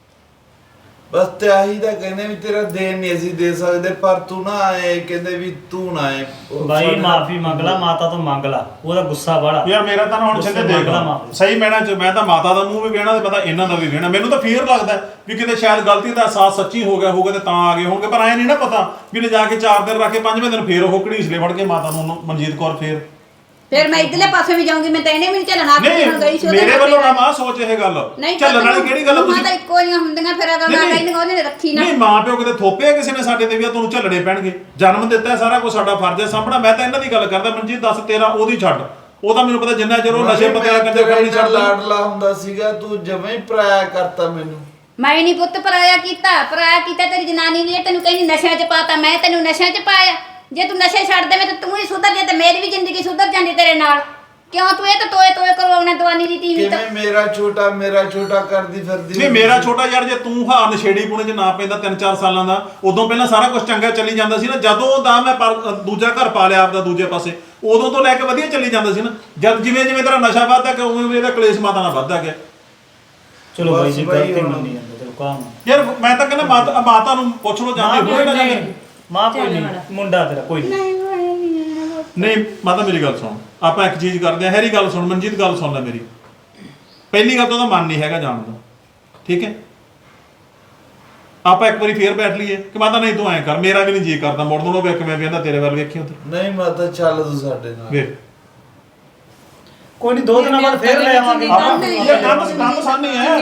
ਬਸ ਤੇ ਆਹੀ ਤਾਂ ਕਹਿੰਦੇ ਵੀ ਤੇਰਾ ਦੇਣ ਨਹੀਂ ਅਸੀਂ ਦੇ ਸਕਦੇ, ਪਰ ਤੂੰ ਨਾ ਆਏ, ਕਹਿੰਦੇ ਵੀ ਤੂੰ ਨਾ ਆਏ। ਬਾਈ ਮਾਫੀ ਮੰਗ ਲਾ, ਮਾਤਾ ਤੋਂ ਮੰਗ ਲਾ, ਉਹਦਾ ਗੁੱਸਾ ਬੜਾ ਯਾਰ ਮੇਰਾ ਤਾਂ ਨਾ ਹੁਣ ਛਿੰਦੇ ਦੇਖ ਲਾ ਸਹੀ ਮੈਨਾਂ ਚ, ਮੈਂ ਤਾਂ ਮਾਤਾ ਦਾ ਮੂੰਹ ਵੀ ਵੇਣਾ ਤੇ ਪਤਾ ਇਹਨਾਂ ਦਾ ਵੀ ਵੇਣਾ। ਮੈਨੂੰ ਤਾਂ ਫੀਅਰ ਲੱਗਦਾ ਵੀ ਕਿਤੇ ਸ਼ਾਇਦ ਗਲਤੀ ਦਾ ਅਹਿਸਾਸ ਸੱਚੀ ਹੋ ਗਿਆ ਹੋਊਗਾ ਤੇ ਤਾਂ ਆ ਗਏ ਹੋਣਗੇ, ਪਰ ਐ ਨਹੀਂ ਨਾ ਪਤਾ ਵੀ ਲੈ ਜਾ ਕੇ 4 ਦਿਨ ਰੱਖ ਕੇ 5ਵੇਂ ਦਿਨ ਫੇਰ ਉਹ ਘੜੀਸਲੇ ਫੜ ਕੇ ਮਾਤਾ ਨੂੰ ਮਨਜੀਤ ਕੌਰ ਫਿਰ ਮੈਂ ਇਧਰਲੇ ਪਾਸੇ ਵੀ ਜਾਊਂਗੀ। ਮੈਂ ਤਾਂ ਇਹਨੇ ਵੀ ਨਹੀਂ ਚੱਲਣਾ, ਆਪਣੀ ਹੁਣ ਗਈ ਸੀ ਉਹਦੇ ਮੇਰੇ ਨਾਲ। ਵੱਲੋਂ ਨਾ ਮਾਂ ਸੋਚ ਇਹ ਗੱਲ ਚੱਲਣ ਵਾਲੀ ਕਿਹੜੀ ਗੱਲ ਤੁਸੀਂ ਮਾਤਾ ਇੱਕੋ ਜਿਹੀਆਂ ਹੁੰਦੀਆਂ, ਫਿਰ ਅਗਰ ਨਾ ਕਹਿੰਦੀਆਂ ਉਹਨੇ ਰੱਖੀ ਨਾ। ਨਹੀਂ ਮਾਂ ਪਿਓ ਕਿਤੇ ਥੋਪਿਆ ਕਿਸੇ ਨੇ ਸਾਡੇ ਤੇ ਵੀ ਤੁਹਾਨੂੰ ਝੱਲਣੇ ਪੈਣਗੇ, ਜਨਮ ਦਿੱਤਾ ਸਾਰਾ ਕੁਝ ਸਾਡਾ ਫਰਜ਼ ਹੈ ਸਾਂਭਣਾ। ਮੈਂ ਤਾਂ ਇਹਨਾਂ ਦੀ ਗੱਲ ਕਰਦਾ ਮਨਜੀਤ, ਦੱਸ ਤੇਰਾ ਉਹਦੀ ਛੱਡ, ਉਹ ਤਾਂ ਮੈਨੂੰ ਪਤਾ ਜਿੰਨਾ ਚਿਰ ਉਹ ਨਸ਼ੇ ਪੱਤੇ ਕੰਜਰ ਕਰਨੀ ਛੱਡਦਾ। ਲਾਡਲਾ ਹੁੰਦਾ ਸੀਗਾ, ਤੂੰ ਜਮਾਂ ਹੀ ਪਰਾਇਆ ਕਰਤਾ ਮੈਨੂੰ। ਮੈਂ ਨਹੀਂ ਪੁੱਤ ਪਰਾਇਆ ਕੀਤਾ ਤੇਰੀ ਜਨਾਨੀ ਨੇ। ਤੈਨੂੰ ਕਹਿੰਦੀ ਨਸ਼ਿਆਂ 'ਚ ਪਾਤਾ, ਮੈਂ ਤੈਨੂੰ ਨਸ਼ਿਆਂ 'ਚ ਪਾਇਆ? ਜੇ ਤੂੰ ਨਸ਼ੇ ਛੱਡ ਦੇਵੇਂ ਤਾਂ ਤੂੰ ਹੀ ਸੁਧਰ ਜੇ ਤੇ ਮੇਰੀ ਵੀ ਜ਼ਿੰਦਗੀ ਸੁਧਰ ਜਾਂਦੀ ਤੇਰੇ ਨਾਲ। ਕਿਉਂ ਤੂੰ ਇਹ ਤਾਂ ਤੋਏ ਕਰਵਾਉਣਾ ਦਵਾਨੀ ਦੀ ਟੀਵੀ ਤਾਂ? ਕਿਵੇਂ ਮੇਰਾ ਛੋਟਾ ਕਰਦੀ ਫਿਰਦੀ? ਨਹੀਂ ਮੇਰਾ ਛੋਟਾ ਯਾਰ, ਜੇ ਤੂੰ ਹਾਂ ਨਸ਼ੇੜੀ ਪੁਣੇ 'ਚ ਨਾ ਪੈਂਦਾ 3-4 ਸਾਲਾਂ ਦਾ, ਉਦੋਂ ਪਹਿਲਾਂ ਸਾਰਾ ਕੁਝ ਚੰਗਾ ਚੱਲੀ ਜਾਂਦਾ ਸੀ ਨਾ। ਜਦੋਂ ਦਾ ਮੈਂ ਦੂਜਾ ਘਰ ਪਾ ਲਿਆ ਆਪਦਾ ਦੂਜੇ ਪਾਸੇ, ਉਦੋਂ ਤੋਂ ਲੈ ਕੇ ਵਧੀਆ ਚੱਲੀ ਜਾਂਦਾ ਸੀ ਨਾ। ਜਦ ਜਿਵੇਂ ਤੇਰਾ ਨਸ਼ਾ ਵੱਧਦਾ ਗਿਆ ਉਵੇਂ ਇਹਦਾ ਕਲੇਸ਼ ਮਾਤਾ ਨਾਲ ਵੱਧਦਾ ਗਿਆ। ਚਲੋ ਬਾਈ ਜੀ ਗਲਤੀ ਮੰਨੀ ਜਾਂਦੇ ਤੇ ਕਾਮ ਯਾਰ ਮੈਂ ਤਾਂ ਕਹਿੰਦਾ ਮਾਤਾ ਨੂੰ ਪੁੱਛ ਲੋ ਜਾਂਦੇ ਹੋਏ ਨਾ ਜਾਂਦੇ। ਮਾਂ ਕੋਈ ਨਹੀਂ, ਮੁੰਡਾ ਤੇਰਾ ਕੋਈ ਨਹੀਂ। ਨਹੀਂ ਮਾਤਾ ਮੇਰੀ ਗੱਲ ਸੁਣ, ਆਪਾਂ ਇੱਕ ਚੀਜ਼ ਕਰਦੇ ਆ। ਹੈਰੀ ਗੱਲ ਸੁਣ, ਮਨਜੀਤ ਗੱਲ ਸੁਣ ਲੈ ਮੇਰੀ। ਪਹਿਲੀ ਗੱਲ ਤਾਂ ਉਹਦਾ ਮਨ ਨਹੀਂ ਹੈਗਾ ਜਾਣ ਦਾ, ਠੀਕ ਹੈ? ਆਪਾਂ ਇੱਕ ਵਾਰੀ ਫੇਰ ਬੈਠ ਲਈਏ ਕਿ ਮਾਤਾ ਨਹੀਂ ਤੂੰ ਐਂ ਕਰ, ਮੇਰਾ ਵੀ ਨਹੀਂ ਜੀ ਕਰਦਾ ਮੁੜਨ ਨੂੰ, ਵੇਖ ਮੈਂ ਵੇਖਦਾ ਤੇਰੇ ਵੱਲ ਵੇਖੀ ਉੱਧਰ ਨਹੀਂ ਮਾਤਾ ਚੱਲ ਤੂੰ ਸਾਡੇ ਨਾਲ। ਵੇਖ ਕੋਈ ਨਹੀਂ 2 ਦਿਨਾਂ ਬਾਅਦ ਫੇਰ ਲੈ ਆਵਾਂਗੇ। ਇਹ ਕੰਮ ਸਾਹਮਣੇ ਹੈ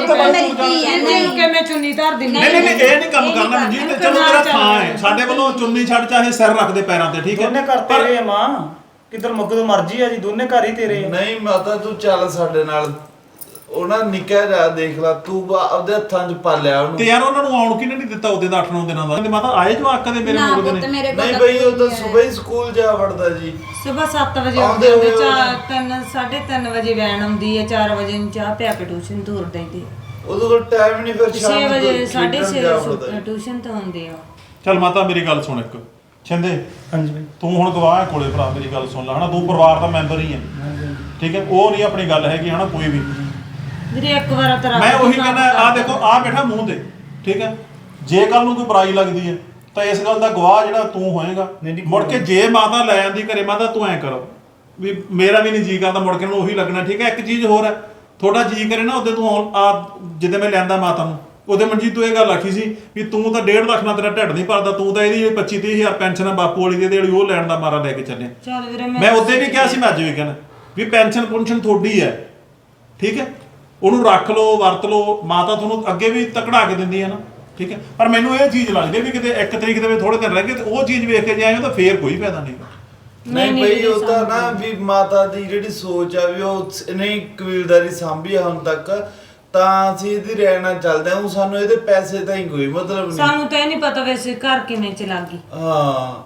ਕਿ ਮੈਂ ਚੁੰਨੀ ਧਰ ਦਿੰਦੀ ਨਹੀਂ ਇਹ ਨਹੀਂ ਕੰਮ ਕਰਨਾ ਮਨਜੀਤ, ਚਲੋ ਤੇਰਾ ਥਾਂ ਹੈ ਸਾਡੇ ਵੱਲੋਂ, ਚੁੰਨੀ ਛੱਡ ਚਾਹੇ ਸਿਰ ਰੱਖ ਦੇ ਪੈਰਾਂ ਤੇ, ਠੀਕ ਹੈ। ਦੋਨੇ ਘਰ ਤੇਰੇ ਆ ਮਾਂ, ਕਿੱਧਰ ਮੁੱਕਦੋਂ ਮਰਜੀ ਆ ਜੀ, ਦੋਨੇ ਘਰ ਹੀ ਤੇਰੇ ਆ। ਨਹੀਂ ਮਾਤਾ ਤੂੰ ਚੱਲ ਸਾਡੇ ਨਾਲ, ਉਹਨਾਂ ਨਿੱਕਾ ਜਿਹਾ ਦੇਖ ਲਾ ਤੂੰ ਆਪਦੇ ਹੱਥਾਂ 'ਚ ਪਾਲਿਆ ਉਹਨੂੰ। ਤੇ ਯਾਰ ਉਹਨਾਂ ਨੂੰ ਆਉਣ ਕਿਨੇ ਨਹੀਂ ਦਿੱਤਾ ਉਹਦੇ ਦਾ 8-9 ਦਿਨਾਂ ਦਾ, ਤੇ ਮਾਤਾ ਆਏ ਜਵਾਕ ਦੇ ਮੇਰੇ ਨਾ ਮੁੰਡੇ ਪੁੱਤ ਨੇ। ਮੇਰੇ ਕੋਲ ਨਹੀਂ ਬਈ ਉਹ ਤਾਂ ਸਵੇਰ ਹੀ ਸਕੂਲ ਜਾ ਵੜਦਾ ਜੀ। ਸਵੇਰ 7 ਵਜੇ ਆਉਂਦੇ ਉੱਠਦੇ, ਹੋਏ 3:30 ਵਜੇ ਵੈਨ ਆਉਂਦੀ ਹੈ, 4 ਵਜੇ ਨੂੰ ਚਾਹ ਪਿਆ ਕੇ ਟਿਊਸ਼ਨ ਤੋਰ ਦਿੰਦੇ, ਉਹਦੇ ਕੋਲ ਟਾਈਮ ਨਹੀਂ, ਫਿਰ 6 ਵਜੇ ਖੇਡਣ ਜਾ 6:30 ਵੜਦਾ ਜੀ। ਟਿਊਸ਼ਨ ਤੋਂ ਆਉਂਦੇ ਆ। ਚੱਲ ਮਾਤਾ ਮੇਰੀ ਗੱਲ ਸੁਣ ਇੱਕ, ਛਿੰਦੇ ਹਾਂਜੀ ਬਾਈ। ਤੂੰ ਹੁਣ ਗਵਾਹ ਹੈ ਕੋਲੇ ਭਰਾ, ਮੇਰੀ ਗੱਲ ਸੁਣ ਲੈ ਹਨਾ, ਤੂੰ ਪਰਿਵਾਰ ਦਾ ਮੈਂਬਰ ਹੀ ਹੈ, ਠੀਕ ਹੈ। ਉਹ ਨਹੀਂ ਆਪਣੀ ਗੱਲ ਹੈਗੀ ਹਨਾ ਕੋਈ ਵੀ। ਵੀਰੇ ਇੱਕ ਵਾਰ ਤਾਂ ਮੈਂ ਉਹੀ ਕਹਿੰਦਾ, ਆ ਦੇਖੋ ਆ ਬੈਠਾ ਮੂੰਹ ਤੇ, ਠੀਕ ਹੈ। ਜੇ ਕੱਲ ਨੂੰ ਕੋਈ ਬੁਰਾਈ ਲੱਗਦੀ ਹੈ ਤਾਂ ਇਸ ਗੱਲ ਦਾ ਗਵਾਹ ਜਿਹੜਾ ਤੂੰ ਹੋਏਗਾ। ਮੁੜ ਕੇ ਜੇ ਮਾਤਾ ਲੈ ਆਂਦੀ ਘਰੇ, ਮਾਤਾ ਤੂੰ ਐਂ ਕਰ ਵੀ ਮੇਰਾ ਵੀ ਨਹੀਂ ਜੀ ਕਰਦਾ, ਮੁੜ ਕੇ ਨੂੰ ਉਹੀ ਲੱਗਣਾ, ਠੀਕ ਹੈ। ਇੱਕ ਚੀਜ਼ ਹੋਰ ਹੈ, ਥੋੜਾ ਜੀ ਕਰੇ ਨਾ ਉਹਦੇ ਤੂੰ ਆ ਜਿੱਦੇ ਮੈਂ ਲਿਆਂਦਾ ਮਾਤਾ ਨੂੰ, ਉਹਦੇ ਮਨਜੀਤ ਤੂੰ ਇਹ ਗੱਲ ਆਖੀ ਸੀ ਵੀ ਤੂੰ ਤਾਂ 1.5 ਲੱਖ ਨਾਲ ਤੇਰਾ ਢਿੱਡ ਨਹੀਂ ਭਰਦਾ, ਤੂੰ ਤਾਂ ਇਹਦੀ 25-30 ਹਜ਼ਾਰ ਪੈਨਸ਼ਨ ਆ ਬਾਪੂ ਵਾਲੀ ਦੀ ਜਿਹੜੀ ਉਹ ਲੈਣ ਦਾ ਮਾਰਾ ਲੈ ਕੇ ਚੱਲਿਆ। ਚੱਲ ਵੀਰੇ ਮੈਂ ਉਦੋਂ ਵੀ ਕਿਹਾ ਸੀ, ਮੈਂ ਅੱਜ ਵੀ ਕਹਿਣਾ ਵੀ ਪੈਨਸ਼ਨ ਤੁਹਾਡੀ ਹੈ, ਠੀਕ ਹੈ। ਉਹਨੂੰ ਰੱਖ ਲਓ, ਵਰਤ ਲਓ, ਮਾਤਾ ਤੁਹਾਨੂੰ ਅੱਗੇ ਵੀ ਤਕੜਾ ਕੇ ਦਿੰਦੀ ਹੈ ਨਾ, ਠੀਕ ਹੈ। ਪਰ ਮੈਨੂੰ ਇਹ ਚੀਜ਼ ਲੱਗਦੀ ਵੀ ਕਿਤੇ 1 ਤਰੀਕ ਦੇ ਵਿੱਚ ਥੋੜੇ ਦਿਨ ਰਹਿ ਗਏ ਤੇ ਉਹ ਚੀਜ਼ ਵੇਖ ਕੇ ਜਾਏ ਤਾਂ ਫੇਰ ਕੋਈ ਫਾਇਦਾ ਨਹੀਂ। ਨਹੀਂ ਬਈ ਉਹ ਤਾਂ ਨਾ ਵੀ ਮਾਤਾ ਦੀ ਜਿਹੜੀ ਸੋਚ ਆ ਵੀ ਉਹ ਨਹੀਂ ਕਬੀਲਦਾਰੀ ਸਾਂਭੀ ਆ ਹੁਣ ਤੱਕ, ਤਾਂ ਅਸੀਂ ਇਹਦੀ ਰਹਿਣਾ ਚੱਲਦੇ ਹਾਂ। ਸਾਨੂੰ ਇਹਦੇ ਪੈਸੇ ਤਾਂ ਹੀ ਕੋਈ ਮਤਲਬ ਨਹੀਂ। ਸਾਨੂੰ ਤਾਂ ਇਹ ਨਹੀਂ ਪਤਾ ਵੈਸੇ ਘਰ ਕਿਵੇਂ ਚਲਾ ਗਈ। ਹਾਂ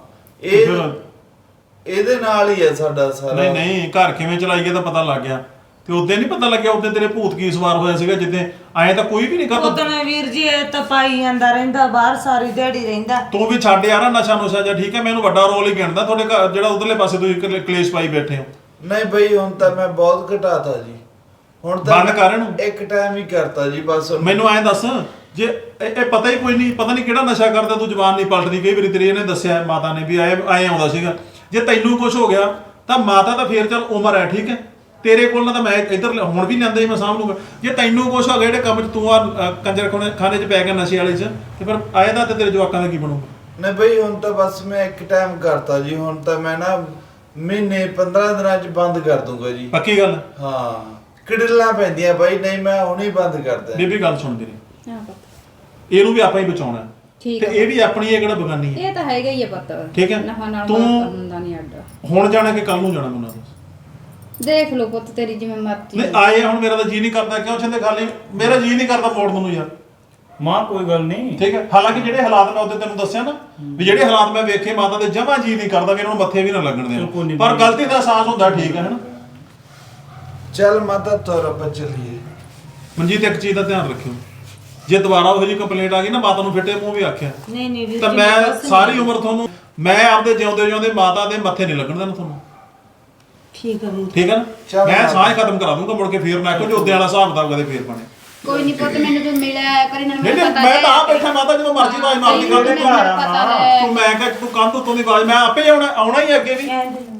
ਇਹਦੇ ਨਾਲ ਹੀ ਹੈ ਸਾਡਾ ਸਾਰਾ। ਨਹੀਂ ਘਰ ਕਿਵੇਂ ਚਲਾਈਏ ਤਾਂ ਪਤਾ ਲੱਗ ਗਿਆ, ਤੇ ਉਦੋਂ ਨਹੀਂ ਪਤਾ ਲੱਗਿਆ ਉਦੋਂ ਤੇਰੇ ਭੂਤ ਕੀ ਸਵਾਰ ਹੋਇਆ ਸੀਗਾ, ਜਿੱਦੇ ਆਏ ਤਾਂ ਕੋਈ ਵੀ ਨਹੀਂ ਕਰਦਾ। ਉਦੋਂ ਵੀਰ ਜੀ ਇਹ ਤਾਂ ਪਾਈ ਜਾਂਦਾ ਰਹਿੰਦਾ ਬਾਹਰ, ਸਾਰੀ ਦਿਹਾੜੀ ਰਹਿੰਦਾ। ਤੂੰ ਵੀ ਛੱਡ ਯਾਰ ਨਸ਼ਾ ਨੁਸ਼ਾ ਜਾਂ, ਠੀਕ ਹੈ। ਮੈਨੂੰ ਵੱਡਾ ਰੋਲ ਹੀ ਗਿਣਦਾ ਤੁਹਾਡੇ ਘਰ ਜਿਹੜਾ ਉਧਰਲੇ ਪਾਸੇ ਤੁਸੀਂ ਕਲੇਸ਼ ਪਾਈ ਬੈਠੇ ਹੋ। ਨਹੀਂ ਬਈ ਹੁਣ ਤਾਂ ਮੈਂ ਬਹੁਤ ਘਟਾਤਾ ਜੀ, ਹੁਣ ਤਾਂ ਬੰਦ ਕਰ ਇਹਨੂੰ। ਇੱਕ ਟਾਈਮ ਹੀ ਕਰਤਾ ਜੀ ਬਸ। ਮੈਨੂੰ ਐਂ ਦੱਸ, ਜੇ ਇਹ ਪਤਾ ਹੀ ਕੋਈ ਨਹੀਂ, ਪਤਾ ਨਹੀਂ ਕਿਹੜਾ ਨਸ਼ਾ ਕਰਦਾ, ਤੂੰ ਜ਼ਬਾਨ ਨਹੀਂ ਪਲਟਦੀ, ਕਈ ਵਾਰੀ ਤੇਰੀ ਇਹਨੇ ਦੱਸਿਆ ਮਾਤਾ ਨੇ ਵੀ ਆਏ ਆਉਂਦਾ ਸੀਗਾ। ਜੇ ਤੈਨੂੰ ਕੁਝ ਹੋ ਗਿਆ ਤਾਂ ਮਾਤਾ ਤਾਂ ਫੇਰ ਚੱਲ ਉਮਰ ਹੈ, ਠੀਕ ਹੈ। ਤੇਰੇ ਕੋਲ ਨਾ ਤਾਂ ਮੈਂ ਇੱਧਰ ਹੁਣ ਵੀ ਲਿਆਂਦਾ ਹੀ ਮੈਂ ਸਾਂਭ ਲੂੰਗਾ। ਜੇ ਤੈਨੂੰ ਕੁਝ ਹੋ ਗਿਆ ਜਿਹੜੇ ਕੰਮ 'ਚ ਤੂੰ ਆ ਕੰਜਰ ਖਾਨੇ 'ਚ ਪੈ ਗਿਆ ਨਸ਼ੇ ਵਾਲੇ 'ਚ, ਤੇ ਫਿਰ ਆਏ ਦਾ ਤੇ ਤੇਰੇ ਜਵਾਕਾਂ ਦਾ ਕੀ ਬਣੂਗਾ? ਨਹੀਂ ਬਈ ਹੁਣ ਤਾਂ ਬਸ ਮੈਂ ਇੱਕ ਟਾਈਮ ਕਰਤਾ ਜੀ, ਹੁਣ ਤਾਂ ਮੈਂ ਨਾ ਮਹੀਨੇ 15 ਦਿਨਾਂ 'ਚ ਬੰਦ ਕਰ ਦੂੰਗਾ ਜੀ। ਪੱਕੀ ਗੱਲ? ਹਾਂ ਕਿਡਲਾਂ ਪੈਂਦੀਆਂ ਬਾਈ, ਨਹੀਂ ਮੈਂ ਹੁਣੇ ਬੰਦ ਕਰਦਾ। ਬੀਬੀ ਗੱਲ ਸੁਣ ਤੇਰੀ, ਹਾਂ ਪੁੱਤ ਇਹਨੂੰ ਵੀ ਆਪਾਂ ਹੀ ਬਚਾਉਣਾ, ਠੀਕ ਤੇ ਇਹ ਵੀ ਆਪਣੀ ਇਹ ਕਿਹੜਾ ਬਗਾਨੀ ਹੈ। ਇਹ ਤਾਂ ਹੈਗਾ ਹੀ ਹੈ ਪੁੱਤ, ਠੀਕ ਹੈ। ਨਫਾ ਨਾਲ ਤੂੰ ਹੁੰਦਾ ਨਹੀਂ ਅੱਡ। ਹੁਣ ਜਾਣਾ ਕਿ ਕੱਲ ਨੂੰ ਜਾਣਾ ਮੈਨੂੰ ਦੱਸ। ਦੇਖ ਲਓ ਪੁੱਤ ਤੇਰੀ ਜਿਵੇਂ ਮਰਜ਼ੀ। ਨਹੀਂ ਆਏ ਹੁਣ ਮੇਰਾ ਤਾਂ ਜੀ ਨਹੀਂ ਕਰਦਾ, ਕਿਉਂ ਛੰਦੇ ਖਾਲੀ ਮੇਰਾ ਜੀ ਨਹੀਂ ਕਰਦਾ ਮੋੜਨ ਨੂੰ ਯਾਰ। ਮਾਂ ਕੋਈ ਗੱਲ ਨਹੀਂ, ਠੀਕ ਹੈ। ਹਾਲਾਂਕਿ ਜਿਹੜੇ ਹਾਲਾਤ ਮੈਂ ਉਹਦੇ ਤੈਨੂੰ ਦੱਸਿਆ ਨਾ ਵੀ ਜਿਹੜੇ ਹਾਲਾਤ ਮੈਂ ਵੇਖੇ, ਮਾਤਾ ਦੇ ਜਮਾ ਜੀ ਨਹੀਂ ਕਰਦਾ ਵੀ ਇਹਨਾਂ ਨੂੰ ਮੱਥੇ ਵੀ ਨਾ ਲੱਗਣ ਦੇਣ, ਪਰ ਗਲਤੀ ਦਾ ਅਹਿਸਾਸ ਹੁੰਦਾ, ਠੀਕ ਹੈ ਨਾ। ਚੱਲ ਮਾਤਾ ਤੁਰ ਆਪਾਂ ਚੱਲੀਏ। ਮਨਜੀਤ ਇੱਕ ਚੀਜ਼ ਦਾ ਧਿਆਨ ਰੱਖਿਓ, ਜੇ ਦੁਬਾਰਾ ਉਹੋ ਜਿਹੀ ਕੰਪਲੇਂਟ ਆ ਗਈ ਨਾ, ਮਾਤਾ ਨੂੰ ਫਿੱਟੇ ਮੂੰਹ ਵੀ ਆਖਿਆ ਨਹੀਂ ਵੀਰ ਤਾਂ ਜੀ, ਮੈਂ ਬਸ ਸਾਰੀ ਉਮਰ ਤੁਹਾਨੂੰ, ਮੈਂ ਆਪਦੇ ਜਿਉਂਦੇ ਮਾਤਾ ਦੇ ਮੱਥੇ ਨਹੀਂ ਲੱਗਣ ਦੇਣਾ ਤੁਹਾਨੂੰ, ਠੀਕ ਹੈ ਵੀਰ। ਠੀਕ ਹੈ ਨਾ। ਮੈਂ ਸਾਹ ਖਤਮ ਕਰਾ ਦੂੰਗਾ, ਮੁੜ ਕੇ ਫੇਰ ਨਾ ਕਹੋ ਜੋਦੇ ਵਾਲਾ ਹਿਸਾਬ ਕਿਤਾਬ ਕਦੇ ਫੇਰ ਬਣੇ। ਕੋਈ ਨਹੀਂ ਪੁੱਤ, ਮੈਨੂੰ ਤੂੰ ਮਿਲਿਆ ਪਰ ਇਹਨਾਂ ਨੂੰ ਨਹੀਂ ਪਤਾ ਮੈਂ ਤਾਂ ਆ ਬੈਠਾ ਮਾਤਾ, ਜਦੋਂ ਮਰਜ਼ੀ ਆਵਾਜ਼ ਮਾਰਦੀ ਮੈਨੂੰ ਕਰਦੇ ਪਤਾ ਹੈ। ਤੂੰ, ਮੈਂ ਕਿਹਾ ਤੂੰ ਕੰਧ ਉੱਤੋਂ ਦੀ ਆਵਾਜ਼, ਮੈਂ ਆਪੇ ਆਉਣਾ ਹੀ ਅੱਗੇ ਵੀ।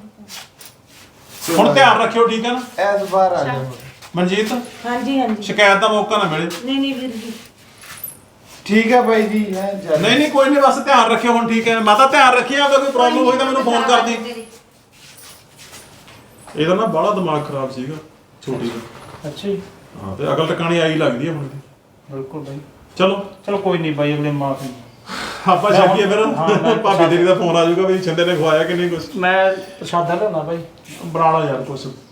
ਹੁਣ ਧਿਆਨ ਰੱਖਿਓ, ਠੀਕ ਹੈ ਨਾ। ਐਸ ਬਾਰ ਆ ਜਾਓ ਮਨਜੀਤ ਹਾਂਜੀ ਸ਼ਿਕਾਇਤ ਦਾ ਮੌਕਾ ਨਾ ਮਿਲੇ। ਨਹੀਂ ਵੀਰ ਜੀ ਠੀਕ ਹੈ ਬਾਈ ਜੀ ਹੈ ਚੱਲ। ਨਹੀਂ ਕੋਈ ਨਹੀਂ, ਬਸ ਧਿਆਨ ਰੱਖਿਓ ਹੁਣ, ਠੀਕ ਹੈ। ਮਾਤਾ ਧਿਆਨ ਰੱਖਿਆ, ਅਗਰ ਕੋਈ ਪ੍ਰੋਬਲਮ ਹੋਈ ਤਾਂ ਮੈਨੂੰ ਫੋਨ ਕਰਦੀ। ਇਹਦਾ ਨਾ ਬੜਾ ਦਿਮਾਗ ਖਰਾਬ ਸੀਗਾ ਛੋਟੀ ਦਾ। ਅੱਛਾ ਜੀ। ਹਾਂ ਤੇ ਅਕਲ ਟਿਕਾਣੀ ਆਈ ਲੱਗਦੀ ਹੈ ਹੁਣ ਦੀ। ਬਿਲਕੁਲ ਬਾਈ, ਚਲੋ ਕੋਈ ਨਹੀਂ ਬਾਈ, ਅਗਲੇ ਮਾਫੀ। ਆਪਾਂ ਛੱਡੀਏ ਫਿਰ। ਭਾਬੀ ਤੇਰੀ ਦਾ ਫੋਨ ਆ ਜਾਊਗਾ ਵੀ ਛਿੰਦੇ ਨੇ ਖਵਾਇਆ ਕਿ ਨਹੀਂ ਕੁਝ। ਮੈਂ ਪ੍ਰਸ਼ਾਦਾ ਲੈਣਾ ਬਾਈ। ਬਣਾ ਲਾ ਯਾਰ ਕੁਝ।